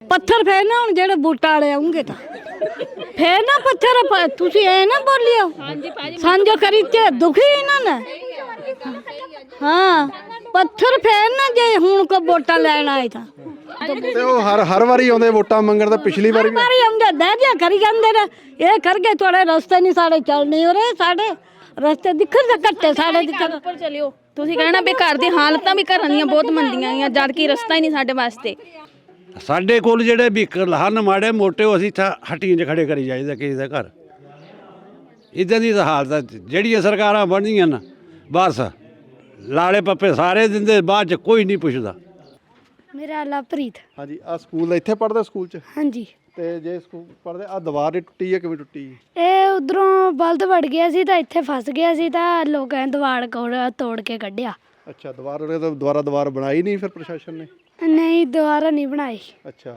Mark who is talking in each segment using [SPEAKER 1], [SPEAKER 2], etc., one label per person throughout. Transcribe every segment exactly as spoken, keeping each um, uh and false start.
[SPEAKER 1] ਪੱਥਰ ਫੇਰ ਨਾ ਹੁਣ ਜਿਹੜੇ ਬੂਟਾ ਵਾਲੇ ਆਉਂਗੇ ਤਾਂ ਫੇਰ ਨਾ ਪੱਥਰ ਤੁਸੀਂ ਐ ਨਾ ਬੋਲਿਓ ਸਾਂਝੋ ਕਰੀ ਤੇ ਦੁਖੀ ਇਹਨਾਂ ਨੇ ਹਾਂ ਪੱਥਰ ਫੇਰ ਨਾ ਜੇ ਹੁਣ ਕੋ ਵੋਟਾਂ ਲੈਣ ਆਏ ਤਾਂ
[SPEAKER 2] ਤੇ ਉਹ ਹਰ ਹਰ ਵਾਰੀ ਆਉਂਦੇ ਵੋਟਾਂ ਮੰਗਣ ਤਾਂ ਪਿਛਲੀ ਵਾਰੀ ਵੀ
[SPEAKER 1] ਮਾਰੀ ਆਉਂਦੇ ਦਹਿ ਦਿਆ ਕਰੀ ਜਾਂਦੇ ਨੇ ਇਹ ਕਰਕੇ ਥੋੜੇ ਰਸਤੇ ਨਹੀਂ ਸਾਡੇ ਚੱਲਣੇ ਹੋ ਰਹੇ ਸਾਡੇ ਰਸਤੇ ਦਿਖਣ ਦੇ ਘੱਟੇ ਸਾਡੇ ਦਿਖਣ
[SPEAKER 3] ਉੱਪਰ ਚਲਿਓ ਤੁਸੀਂ ਕਹਿਣਾ ਵੀ ਘਰ ਦੀ ਹਾਲਤਾਂ ਵੀ ਘਰਾਂ ਦੀਆਂ ਬਹੁਤ ਮੰਦੀਆਂ ਆ ਜਦ ਕਿ ਰਸਤਾ ਹੀ ਨਹੀਂ ਸਾਡੇ ਵਾਸਤੇ
[SPEAKER 4] ਸਾਡੇ ਕੋਲ ਜਿਹੜੇ ਵਹੀਕਲ ਹਨ ਮਾੜੇ ਮੋਟੇ ਉਹ ਅਸੀਂ ਤਾਂ ਹੱਟੀਆਂ 'ਚ ਖੜੇ ਕਰੀ ਜਾਈਦਾ ਕਿਸੇ ਦਾ ਘਰ ਇੱਦਾਂ ਦੀ ਤਾਂ ਹਾਲਤ ਹੈ ਜਿਹੜੀਆਂ ਸਰਕਾਰਾਂ ਬਣਦੀਆਂ ਨਾ ਬਸ ਲਾਲੇ ਪੱਪੇ ਸਾਰੇ ਦਿੰਦੇ ਬਾਅਦ 'ਚ ਕੋਈ ਨਹੀਂ ਪੁੱਛਦਾ।
[SPEAKER 5] ਮੇਰਾ ਲਵਪ੍ਰੀਤ।
[SPEAKER 2] ਹਾਂਜੀ ਆ ਸਕੂਲ ਇੱਥੇ ਪੜ੍ਹਦੇ ਸਕੂਲ 'ਚ
[SPEAKER 5] ਹਾਂਜੀ
[SPEAKER 2] ਤੇ ਜੇ ਸਕੂਲ ਪੜ੍ਹਦੇ ਆ ਦੀਵਾਰ ਹੀ ਟੁੱਟੀ ਹੈ ਕਿਵੇਂ ਟੁੱਟੀ?
[SPEAKER 5] ਇਹ ਉਧਰੋਂ ਬਲਦ ਵੜ ਗਿਆ ਸੀ ਤਾਂ ਇੱਥੇ ਫਸ ਗਿਆ ਸੀ ਤਾਂ ਲੋਕਾਂ ਨੇ ਦੀਵਾਰ ਕੋਲ ਤੋੜ ਕੇ ਕੱਢਿਆ।
[SPEAKER 2] ਅੱਛਾ ਦੀਵਾਰ ਉਹਨੇ ਤਾਂ ਦੁਬਾਰਾ ਦੀਵਾਰ ਬਣਾਈ ਨਹੀਂ ਫਿਰ ਪ੍ਰਸ਼ਾਸਨ ਨੇ?
[SPEAKER 5] ਨਹੀਂ ਦੁਬਾਰਾ ਨਹੀਂ ਬਣਾਈ।
[SPEAKER 2] ਅੱਛਾ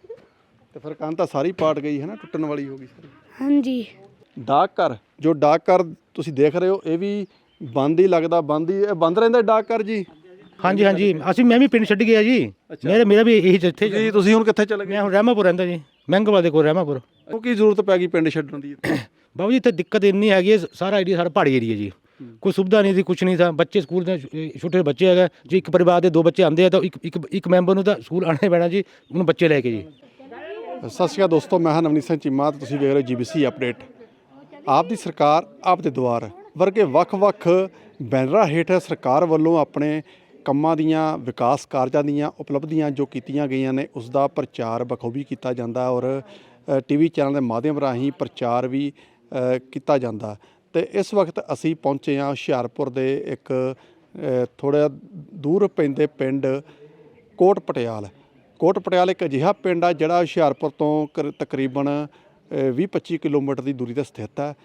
[SPEAKER 2] ਤੇ ਫਿਰ ਕੰਨ ਤਾਂ ਸਾਰੀ ਪਾਟ ਗਈ ਹੈ ਨਾ ਟੁੱਟਣ ਵਾਲੀ ਹੋ ਗਈ ਸਾਰੀ।
[SPEAKER 5] ਹਾਂਜੀ
[SPEAKER 2] ਡਾਕ ਘਰ ਜੋ ਡਾਕ ਘਰ ਤੁਸੀਂ ਦੇਖ ਰਹੇ ਹੋ ਇਹ ਵੀ ਬੰਦ ਹੀ ਲੱਗਦਾ ਬੰਦ ਹੀ ਇਹ ਬੰਦ ਰਹਿੰਦਾ ਡਾਕ ਘਰ ਜੀ?
[SPEAKER 6] ਹਾਂਜੀ ਹਾਂਜੀ ਅਸੀਂ ਮੈਂ ਵੀ ਪਿੰਡ ਛੱਡ ਗਿਆ ਜੀ ਮੇਰੇ ਮੇਰਾ ਵੀ ਇਹੀ ਇੱਥੇ
[SPEAKER 2] ਜੀ ਤੁਸੀਂ ਹੁਣ ਕਿੱਥੇ ਚਲੇ ਗਏ?
[SPEAKER 6] ਮੈਂ ਹੁਣ ਰਹਿਮਾਪੁਰ ਰਹਿੰਦਾ ਜੀ ਮਹਿੰਗੋਵਾਲ ਦੇ ਕੋਲ ਰਹਿਮਾਪੁਰ।
[SPEAKER 2] ਉਹ ਕੀ ਜ਼ਰੂਰਤ ਪੈ ਗਈ ਪਿੰਡ ਛੱਡਣ ਦੀ?
[SPEAKER 6] ਬਾਬੂ ਜੀ ਇੱਥੇ ਦਿੱਕਤ ਇੰਨੀ ਹੈਗੀ ਹੈ ਸਾਰਾ ਏਰੀਆ ਸਾਰਾ ਪਹਾੜੀ ਏਰੀਆ ਜੀ ਕੋਈ ਸੁਵਿਧਾ ਨਹੀਂ ਸੀ ਕੁਛ ਨਹੀਂ था ਬੱਚੇ ਸਕੂਲ ਦੇ ਛੋਟੇ ਬੱਚੇ ਹੈਗੇ ਜੀ ਇੱਕ ਪਰਿਵਾਰ ਦੇ ਦੋ ਬੱਚੇ ਆਉਂਦੇ ਆ ਤਾਂ ਇੱਕ ਇੱਕ ਇੱਕ ਮੈਂਬਰ ਨੂੰ ਤਾਂ ਸਕੂਲ ਆਉਣਾ ਪੈਣਾ ਜੀ ਉਹਨੂੰ ਬੱਚੇ ਲੈ ਕੇ ਜੀ।
[SPEAKER 2] ਸਤਿ ਸ਼੍ਰੀ ਅਕਾਲ ਦੋਸਤੋ ਮੈਂ ਹਾਂ ਨਵਨੀਤ ਸਿੰਘ ਚੀਮਾ ਤੇ ਤੁਸੀਂ ਵੇਖ ਰਹੇ ਹੋ ਜੀ ਬੀ ਸੀ ਅਪਡੇਟ। ਆਪ ਦੀ ਸਰਕਾਰ ਆਪ ਦੇ ਦੁਆਰ ਵਰਗੇ ਵੱਖ-ਵੱਖ ਬੈਨਰਾਂ ਹੇਠ ਸਰਕਾਰ ਵੱਲੋਂ ਆਪਣੇ ਕੰਮਾਂ ਦੀਆਂ ਵਿਕਾਸ ਕਾਰਜਾਂ ਦੀਆਂ ਉਪਲਬਧੀਆਂ ਜੋ ਕੀਤੀਆਂ ਗਈਆਂ ਨੇ ਉਸ ਦਾ ਪ੍ਰਚਾਰ ਬਖੂਬੀ ਕੀਤਾ ਜਾਂਦਾ ਔਰ ਟੀ ਵੀ ਚੈਨਲ ਦੇ ਮਾਧਿਅਮ ਰਾਹੀਂ ਪ੍ਰਚਾਰ ਵੀ ਕੀਤਾ ਜਾਂਦਾ। ਤੇ ਇਸ ਵਕਤ ਅਸੀਂ ਪਹੁੰਚੇ ਹਾਂ ਹੁਸ਼ਿਆਰਪੁਰ ਦੇ ਇੱਕ ਥੋੜ੍ਹਾ ਦੂਰ ਪੈਂਦੇ ਪਿੰਡ ਕੋਟ ਪਟਿਆਲ। ਕੋਟ ਪਟਿਆਲ ਇੱਕ ਅਜਿਹਾ ਪਿੰਡ ਆ ਜਿਹੜਾ ਹੁਸ਼ਿਆਰਪੁਰ ਤੋਂ ਤਕਰੀਬਨ ਵੀਹ ਪੱਚੀ ਕਿਲੋਮੀਟਰ ਦੀ ਦੂਰੀ 'ਤੇ ਸਥਿਤ ਹੈ।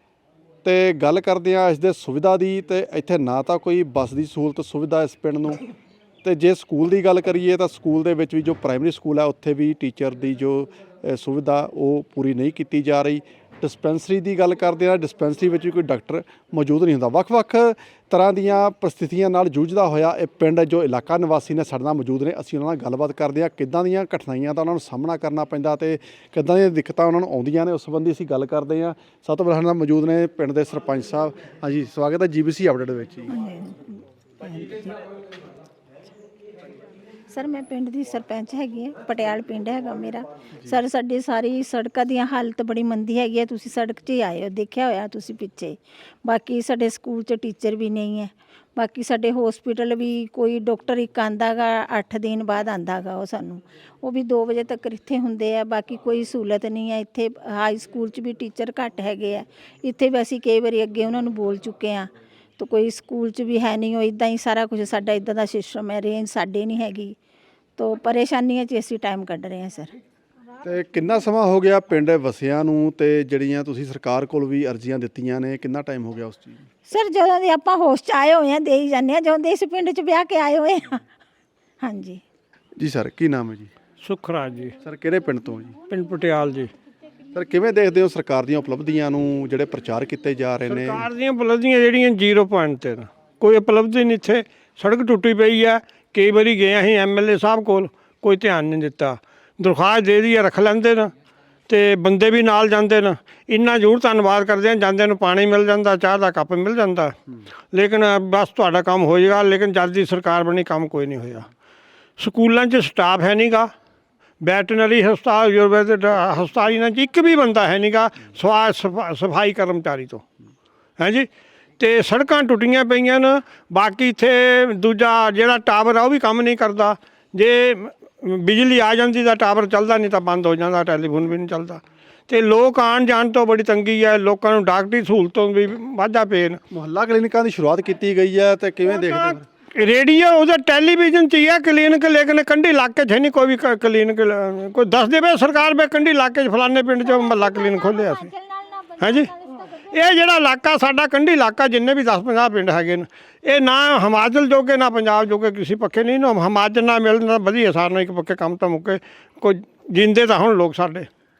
[SPEAKER 2] ਤੇ ਗੱਲ ਕਰਦੇ ਹਾਂ ਇਸ ਦੇ ਸੁਵਿਧਾ ਦੀ ਤੇ ਇੱਥੇ ਨਾ ਤਾਂ ਕੋਈ ਬੱਸ ਦੀ ਸਹੂਲਤ ਸੁਵਿਧਾ ਇਸ ਪਿੰਡ ਨੂੰ ਤੇ ਜੇ ਸਕੂਲ ਦੀ ਗੱਲ ਕਰੀਏ ਤਾਂ ਸਕੂਲ ਦੇ ਵਿੱਚ ਵੀ ਜੋ ਪ੍ਰਾਇਮਰੀ ਸਕੂਲ ਹੈ ਉੱਥੇ ਵੀ ਟੀਚਰ ਦੀ ਜੋ ਸੁਵਿਧਾ ਉਹ ਪੂਰੀ ਨਹੀਂ ਕੀਤੀ ਜਾ ਰਹੀ। ਡਿਸਪੈਂਸਰੀ ਦੀ ਗੱਲ ਕਰਦੇ ਹਾਂ ਡਿਸਪੈਂਸਰੀ ਵਿੱਚ ਵੀ ਕੋਈ ਡਾਕਟਰ ਮੌਜੂਦ ਨਹੀਂ ਹੁੰਦਾ। ਵੱਖ-ਵੱਖ ਤਰ੍ਹਾਂ ਦੀਆਂ ਪ੍ਰਸਥਿਤੀਆਂ ਨਾਲ ਜੂਝਦਾ ਹੋਇਆ ਇਹ ਪਿੰਡ ਜੋ ਇਲਾਕਾ ਨਿਵਾਸੀ ਨੇ ਸਾਡੇ ਨਾਲ ਮੌਜੂਦ ਨੇ ਅਸੀਂ ਉਹਨਾਂ ਨਾਲ ਗੱਲਬਾਤ ਕਰਦੇ ਹਾਂ ਕਿੱਦਾਂ ਦੀਆਂ ਕਠਿਨਾਈਆਂ ਦਾ ਉਹਨਾਂ ਨੂੰ ਸਾਹਮਣਾ ਕਰਨਾ ਪੈਂਦਾ ਤੇ ਕਿੱਦਾਂ ਦੀਆਂ ਦਿੱਕਤਾਂ ਉਹਨਾਂ ਨੂੰ ਆਉਂਦੀਆਂ ਨੇ ਉਸ ਸੰਬੰਧੀ ਅਸੀਂ ਗੱਲ ਕਰਦੇ ਹਾਂ। ਸਭ ਤੋਂ ਪਹਿਲਾਂ ਨਾਲ ਮੌਜੂਦ ਨੇ ਪਿੰਡ ਦੇ ਸਰਪੰਚ ਸਾਹਿਬ। ਹਾਂਜੀ ਸਵਾਗਤ ਹੈ ਜੀ ਬੀ ਸੀ ਅਪਡੇਟ ਵਿੱਚ ਜੀ।
[SPEAKER 7] ਸਰ ਮੈਂ ਪਿੰਡ ਦੀ ਸਰਪੰਚ ਹੈਗੀ ਹਾਂ ਪਟਿਆਲ ਪਿੰਡ ਹੈਗਾ ਮੇਰਾ। ਸਰ ਸਾਡੀ ਸਾਰੀ ਸੜਕਾਂ ਦੀਆਂ ਹਾਲਤ ਬੜੀ ਮੰਦੀ ਹੈਗੀ ਹੈ ਤੁਸੀਂ ਸੜਕ 'ਚ ਹੀ ਆਏ ਹੋ ਦੇਖਿਆ ਹੋਇਆ ਤੁਸੀਂ ਪਿੱਛੇ। ਬਾਕੀ ਸਾਡੇ ਸਕੂਲ 'ਚ ਟੀਚਰ ਵੀ ਨਹੀਂ ਹੈ। ਬਾਕੀ ਸਾਡੇ ਹੌਸਪੀਟਲ ਵੀ ਕੋਈ ਡਾਕਟਰ ਇੱਕ ਆਉਂਦਾ ਗਾ ਅੱਠ ਦਿਨ ਬਾਅਦ ਆਉਂਦਾ ਗਾ ਉਹ ਸਾਨੂੰ ਉਹ ਵੀ ਦੋ ਵਜੇ ਤੱਕ ਇੱਥੇ ਹੁੰਦੇ ਆ। ਬਾਕੀ ਕੋਈ ਸਹੂਲਤ ਨਹੀਂ ਹੈ ਇੱਥੇ। ਹਾਈ ਸਕੂਲ 'ਚ ਵੀ ਟੀਚਰ ਘੱਟ ਹੈਗੇ ਆ ਇੱਥੇ ਵੀ ਅਸੀਂ ਕਈ ਵਾਰੀ ਅੱਗੇ ਉਹਨਾਂ ਨੂੰ ਬੋਲ ਚੁੱਕੇ ਹਾਂ ਤਾਂ ਕੋਈ ਸਕੂਲ 'ਚ ਵੀ ਹੈ ਨਹੀਂ। ਉਹ ਇੱਦਾਂ ਹੀ ਸਾਰਾ ਕੁਝ ਸਾਡਾ ਇੱਦਾਂ ਦਾ ਸਿਸਟਮ ਹੈ ਰੇਂਜ ਸਾਡੇ ਨਹੀਂ ਹੈਗੀ ਤਾਂ ਪਰੇਸ਼ਾਨੀਆਂ 'ਚ ਅਸੀਂ ਟਾਈਮ ਕੱਢ ਰਹੇ ਹਾਂ ਸਰ।
[SPEAKER 2] ਤੇ ਕਿੰਨਾ ਸਮਾਂ ਹੋ ਗਿਆ ਪਿੰਡ ਵਸਿਆਂ ਨੂੰ ਤੇ ਜਿਹੜੀਆਂ ਤੁਸੀਂ ਸਰਕਾਰ ਕੋਲ ਵੀ ਅਰਜ਼ੀਆਂ ਦਿੱਤੀਆਂ ਨੇ ਕਿੰਨਾ ਟਾਈਮ ਹੋ ਗਿਆ ਉਸ ਚੀਜ਼ ਨੂੰ?
[SPEAKER 7] ਸਰ ਜਦੋਂ ਦੇ ਆਪਾਂ ਹੋਸ਼ 'ਚ ਆਏ ਹੋਏ ਹਾਂ ਦੇ ਹੀ ਜਾਂਦੇ ਹਾਂ ਜਦੋਂ ਦੇ ਇਸ ਪਿੰਡ 'ਚ ਵਿਆਹ ਕੇ ਆਏ ਹੋਏ ਹਾਂ। ਹਾਂਜੀ
[SPEAKER 2] ਜੀ ਸਰ ਕੀ ਨਾਮ ਹੈ ਜੀ?
[SPEAKER 8] ਸੁਖਰਾਜ ਜੀ
[SPEAKER 2] ਸਰ ਕਿਹੜੇ ਪਿੰਡ ਤੋਂ ਜੀ?
[SPEAKER 8] ਪਿੰਡ ਪਟਿਆਲ ਜੀ।
[SPEAKER 2] ਸਰ ਕਿਵੇਂ ਦੇਖਦੇ ਹੋ ਸਰਕਾਰ ਦੀਆਂ ਉਪਲਬਧੀਆਂ ਨੂੰ ਜਿਹੜੇ ਪ੍ਰਚਾਰ ਕੀਤੇ ਜਾ ਰਹੇ ਨੇ?
[SPEAKER 8] ਸਰਕਾਰ ਦੀਆਂ ਉਪਲਬਧੀਆਂ ਜਿਹੜੀਆਂ ਜ਼ੀਰੋ ਪੁਆਇੰਟ 'ਤੇ ਕੋਈ ਉਪਲਬਧੀ ਨਹੀਂ ਇੱਥੇ। ਸੜਕ ਟੁੱਟੀ ਪਈ ਆ ਕਈ ਵਾਰੀ ਗਏ ਅਸੀਂ ਐਮ ਐਲ ਏ ਸਾਹਿਬ ਕੋਲ ਕੋਈ ਧਿਆਨ ਨਹੀਂ ਦਿੱਤਾ। ਦਰਖਾਸਤ ਦੇ ਦੀ ਰੱਖ ਲੈਂਦੇ ਨੇ ਤੇ ਬੰਦੇ ਵੀ ਨਾਲ ਜਾਂਦੇ ਨੇ। ਇੰਨਾ ਜ਼ਰੂਰ ਧੰਨਵਾਦ ਕਰਦੇ ਹਾਂ ਜਾਂਦੇ ਨੂੰ ਪਾਣੀ ਮਿਲ ਜਾਂਦਾ ਚਾਹ ਦਾ ਕੱਪ ਮਿਲ ਜਾਂਦਾ ਲੇਕਿਨ ਬਸ ਤੁਹਾਡਾ ਕੰਮ ਹੋ ਜਾਏਗਾ। ਲੇਕਿਨ ਜਦ ਦੀ ਸਰਕਾਰ ਬਣੀ ਕੰਮ ਕੋਈ ਨਹੀਂ ਹੋਇਆ। ਸਕੂਲਾਂ 'ਚ ਸਟਾਫ ਹੈ ਨਹੀਂ ਗਾ। ਵੈਟਰਨਰੀ ਹਸਪਤਾਲ ਆਯੁਰਵੈਦਿਕ ਹਸਪਤਾਲ ਇਹਨਾਂ 'ਚ ਇੱਕ ਵੀ ਬੰਦਾ ਹੈ ਨਹੀਂ ਗਾ ਸਵਾ ਸਫਾਈ ਕਰਮਚਾਰੀ ਤੋਂ ਹੈ ਜੀ। ਅਤੇ ਸੜਕਾਂ ਟੁੱਟੀਆਂ ਪਈਆਂ ਨੇ। ਬਾਕੀ ਇੱਥੇ ਦੂਜਾ ਜਿਹੜਾ ਟਾਵਰ ਆ ਉਹ ਵੀ ਕੰਮ ਨਹੀਂ ਕਰਦਾ। ਜੇ ਬਿਜਲੀ ਆ ਜਾਂਦੀ ਤਾਂ ਟਾਵਰ ਚੱਲਦਾ ਨਹੀਂ ਤਾਂ ਬੰਦ ਹੋ ਜਾਂਦਾ ਟੈਲੀਫੋਨ ਵੀ ਨਹੀਂ ਚੱਲਦਾ। ਅਤੇ ਲੋਕ ਆਉਣ ਜਾਣ ਤੋਂ ਬੜੀ ਤੰਗੀ ਹੈ। ਲੋਕਾਂ ਨੂੰ ਡਾਕਟਰੀ ਸਹੂਲਤੋਂ ਵੀ ਵਾਧਾ ਪਏ ਨੇ।
[SPEAKER 2] ਮੁਹੱਲਾ ਕਲੀਨਿਕਾਂ ਦੀ ਸ਼ੁਰੂਆਤ ਕੀਤੀ ਗਈ ਹੈ ਤੇ ਕਿਵੇਂ ਦੇਖਦੇ ਹੋ?
[SPEAKER 8] ਰੇਡੀਓ ਉਹਦਾ ਟੈਲੀਵਿਜ਼ਨ 'ਚ ਹੀ ਹੈ ਕਲੀਨਿਕ ਲੇਕਿਨ ਕੰਢੀ ਇਲਾਕੇ 'ਚ ਹੈ ਨਹੀਂ ਕੋਈ ਵੀ ਕਲੀਨਿਕ। ਕੋਈ ਦੱਸ ਦੇਵੇ ਸਰਕਾਰ ਵੀ ਕੰਢੀ ਇਲਾਕੇ 'ਚ ਫਲਾਣੇ ਪਿੰਡ 'ਚ ਮੁਹੱਲਾ ਕਲੀਨਿਕ ਖੋਲ੍ਹਿਆ ਸੀ ਹੈ ਜੀ। ਇਹ ਜਿਹੜਾ ਇਲਾਕਾ ਸਾਡਾ ਕੰਢੀ ਇਲਾਕਾ ਜਿੰਨੇ ਵੀ ਦਸ ਪੰਜਾਹ ਪਿੰਡ ਹੈਗੇ ਨੇ ਇਹ ਨਾ ਹਿਮਾਚਲ ਜੋਗੇ ਨਾ ਪੰਜਾਬ ਜੋਗੇ ਕਿਸੇ ਪੱਖੇ ਨਹੀਂ ਨਾ ਹਿਮਾਚਲ ਨਾ ਮਿਲਣਾ ਵਧੀਆ ਸਾਰਿਆਂ ਇੱਕ ਪੱਕੇ ਕੰਮ ਤਾਂ ਮੁੱਕੇ ਕੋਈ ਜਿੰਦੇ ਤਾਂ ਹੁਣ ਲੋਕ ਸਾਡੇ।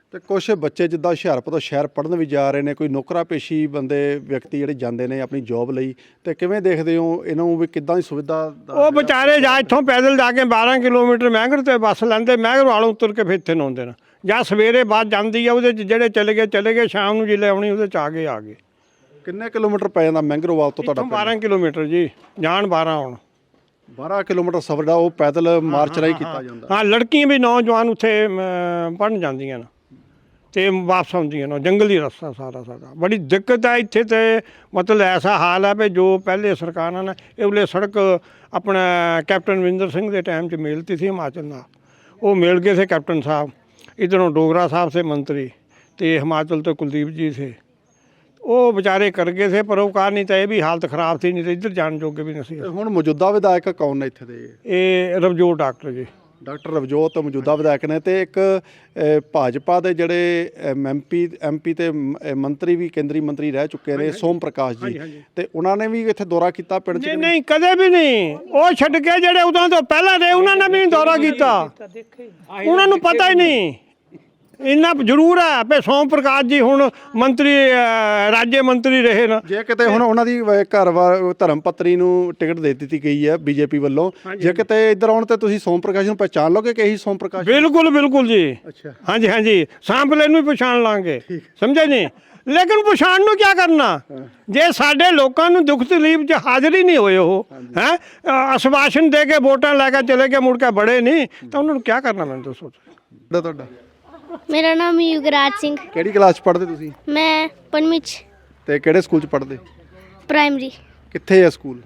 [SPEAKER 2] ਤੇ ਕੁਝ ਬੱਚੇ ਜਿੱਦਾਂ ਹੁਸ਼ਿਆਰਪੁਰ ਤੋਂ ਸ਼ਹਿਰ ਪੜ੍ਹਨ ਵੀ ਜਾ ਰਹੇ ਨੇ, ਕੋਈ ਨੌਕਰਾ ਪੇਸ਼ੀ ਬੰਦੇ ਵਿਅਕਤੀ ਜਿਹੜੇ ਜਾਂਦੇ ਨੇ ਆਪਣੀ ਜੌਬ ਲਈ, ਤੇ ਕਿਵੇਂ ਦੇਖਦੇ ਹੋ ਇਹਨਾਂ ਨੂੰ ਵੀ ਕਿੱਦਾਂ ਦੀ ਸੁਵਿਧਾ ਦਾ
[SPEAKER 8] ਉਹ ਵਿਚਾਰੇ ਜਾ ਇੱਥੋਂ ਪੈਦਲ ਜਾ ਕੇ ਬਾਰਾਂ ਕਿਲੋਮੀਟਰ ਮਹਿੰਗਰ ਤੇ ਬੱਸ ਲੈਂਦੇ, ਮਹਿੰਗਰ ਵਾਲੋਂ ਉਤਰ ਕੇ ਫਿਰ ਇੱਥੇ ਨੂੰ ਆਉਂਦੇ ਨੇ, ਜਾਂ ਸਵੇਰੇ ਬੱਸ ਜਾਂਦੀ ਆ ਉਹਦੇ 'ਚ ਜਿਹੜੇ ਚਲੇ ਗਏ ਚਲੇ ਗਏ, ਸ਼ਾਮ ਨੂੰ ਜਿੱਲੇ ਆਉਣੀ ਉਹਦੇ 'ਚ ਆ ਗਏ ਆ ਗਏ।
[SPEAKER 2] ਕਿੰਨੇ ਕਿਲੋਮੀਟਰ ਪੈ ਜਾਂਦਾ ਮਹਿੰਗਰੋਵਾਲ ਤੋਂ ਤੁਹਾਡਾ
[SPEAKER 8] ਇੱਥੋਂ ਬਾਰਾਂ ਕਿਲੋਮੀਟਰ ਜੀ, ਜਾਣ ਬਾਰਾਂ ਆਉਣ।
[SPEAKER 2] ਬਾਰਾਂ ਕਿਲੋਮੀਟਰ ਸਫ਼ਰ ਦਾ ਉਹ ਪੈਦਲ ਮਾਰਚ ਰਾਹੀਂ ਕੀਤਾ ਜਾਂਦਾ।
[SPEAKER 8] ਹਾਂ, ਲੜਕੀਆਂ ਵੀ ਨੌਜਵਾਨ ਉੱਥੇ ਪੜ੍ਹਨ ਜਾਂਦੀਆਂ ਨੇ ਤੇ ਵਾਪਸ ਆਉਂਦੀਆਂ ਨੇ। ਜੰਗਲੀ ਰਸਤਾ ਸਾਰਾ ਸਾਡਾ, ਬੜੀ ਦਿੱਕਤ ਹੈ ਇੱਥੇ। ਤੇ ਮਤਲਬ ਐਸਾ ਹਾਲ ਹੈ ਵੀ ਜੋ ਪਹਿਲੇ ਸਰਕਾਰਾਂ ਨੇ ਇਹ ਵੇਲੇ ਸੜਕ ਆਪਣਾ ਕੈਪਟਨ ਅਮਰਿੰਦਰ ਸਿੰਘ ਦੇ ਟਾਈਮ 'ਚ ਮਿਲਤੀ ਸੀ ਹਿਮਾਚਲ ਨਾਲ, ਉਹ ਮਿਲ ਗਏ थे कैप्टन साहब, इधरों डोगरा साहब से मंत्री, तो हिमाचल तो कुलदीप जी थे, वो बेचारे कर गए थे परोकार, नहीं तो ये भी हालत खराब थी, नहीं तो इधर जान जोगे भी नहीं।
[SPEAKER 2] ਹੁਣ ਮੌਜੂਦਾ ਵਿਧਾਇਕ ਕੌਣ ਨੇ ਇੱਥੇ ਦੇ?
[SPEAKER 8] ये रवजोत डॉक्टर जी,
[SPEAKER 2] ਡਾਕਟਰ ਰਵਜੋਤ ਮੌਜੂਦਾ ਵਿਧਾਇਕ ਨੇ, ਤੇ ਇੱਕ ਅ, ਭਾਜਪਾ ਦੇ ਜਿਹੜੇ ਐਮਪੀ ਐਮਪੀ ਤੇ ਮ- ਅ, ਮੰਤਰੀ ਵੀ ਕੇਂਦਰੀ ਮੰਤਰੀ ਰਹਿ ਚੁੱਕੇ ਨੇ, ਸੋਮ ਪ੍ਰਕਾਸ਼ ਜੀ, ਤੇ ਉਹਨਾਂ ਨੇ ਵੀ ਇੱਥੇ ਦੌਰਾ ਕੀਤਾ ਪਿੰਡ 'ਚ?
[SPEAKER 8] नहीं नहीं कदे भी नहीं, वो छड़ के ਜਿਹੜੇ ਉਦੋਂ ਤੋਂ ਪਹਿਲਾਂ ਰਹੇ ਉਹਨਾਂ ਨੇ ਵੀ ਨਹੀਂ ਦੌਰਾ ਕੀਤਾ, ਉਹਨਾਂ ਨੂੰ ਪਤਾ ਹੀ ਨਹੀਂ। ਇੰਨਾ ਜ਼ਰੂਰ ਹੈ ਵੀ ਸੋਮ ਪ੍ਰਕਾਸ਼ ਜੀ ਹੁਣ ਮੰਤਰੀ ਅ, ਰਾਜ ਮੰਤਰੀ ਰਹੇ ਨਾ।
[SPEAKER 2] ਜੇ ਕਿਤੇ ਹੁਣ ਉਹਨਾਂ ਦੀ ਅ, ਘਰ ਵਾਰ ਧਰਮ ਪਤਨੀ ਨੂੰ ਟਿਕਟ ਦੇ ਦਿੱਤੀ ਗਈ ਹੈ ਬੀਜੇਪੀ ਵੱਲੋਂ, ਜੇ ਕਿਤੇ ਇੱਧਰ ਆਉਣ ਤੇ ਤੁਸੀਂ ਸੋਮ ਪ੍ਰਕਾਸ਼ ਨੂੰ ਪਹਿਚਾਣ ਲੋਗੇ ਕਿ ਇਹੀ ਸੋਮ ਪ੍ਰਕਾਸ਼?
[SPEAKER 8] ਬਿਲਕੁਲ ਬਿਲकुल ਜੀ।
[SPEAKER 2] ਅੱਛਾ,
[SPEAKER 8] ਹਾਂਜੀ ਹਾਂਜੀ, ਸਾਂਪਲੇ ਨੂੰ ਵੀ ਪਛਾਣ ਲਾਂਗੇ, ਸਮਝੇ ਨਹੀਂ। ਲੇਕਿਨ ਪਛਾਣ ਨੂੰ ਕੀ ਕਰਨਾ ਜੇ ਸਾਡੇ ਲੋਕਾਂ ਨੂੰ ਦੁੱਖ ਤਕਲੀਫ 'ਚ ਹਾਜ਼ਰ ਹੀ ਨਹੀਂ ਹੋਏ, ਉਹ ਹੈ ਅਸ਼ਵਾਸਨ ਦੇ ਕੇ ਵੋਟਾਂ ਲੈ ਕੇ ਚਲੇ ਗਏ, ਮੁੜ ਕੇ ਬੜੇ ਨਹੀਂ, ਤਾਂ ਉਹਨਾਂ ਨੂੰ ਕੀ ਕਰਨਾ ਮੈਨੂੰ ਦੱਸੋ।
[SPEAKER 2] ਤੁਹਾਡਾ ਤੁਹਾਡਾ
[SPEAKER 5] ਮੇਰਾ ਨਾਮ ਯੁਗਰਾਜ ਸਿੰਘ,
[SPEAKER 2] ਕਿਹੜੀ ਕਲਾਸ 'ਚ ਪੜ੍ਹਦੇ ਤੁਸੀਂ?
[SPEAKER 5] ਮੈਂ ਪੰਜਵੀਂ 'ਚ
[SPEAKER 2] ਤੇ ਕਿਹੜੇ ਸਕੂਲ 'ਚ ਪੜ੍ਹਦੇ?
[SPEAKER 5] ਪ੍ਰਾਇਮਰੀ।
[SPEAKER 2] ਕਿੱਥੇ ਹੈ ਸਕੂਲ?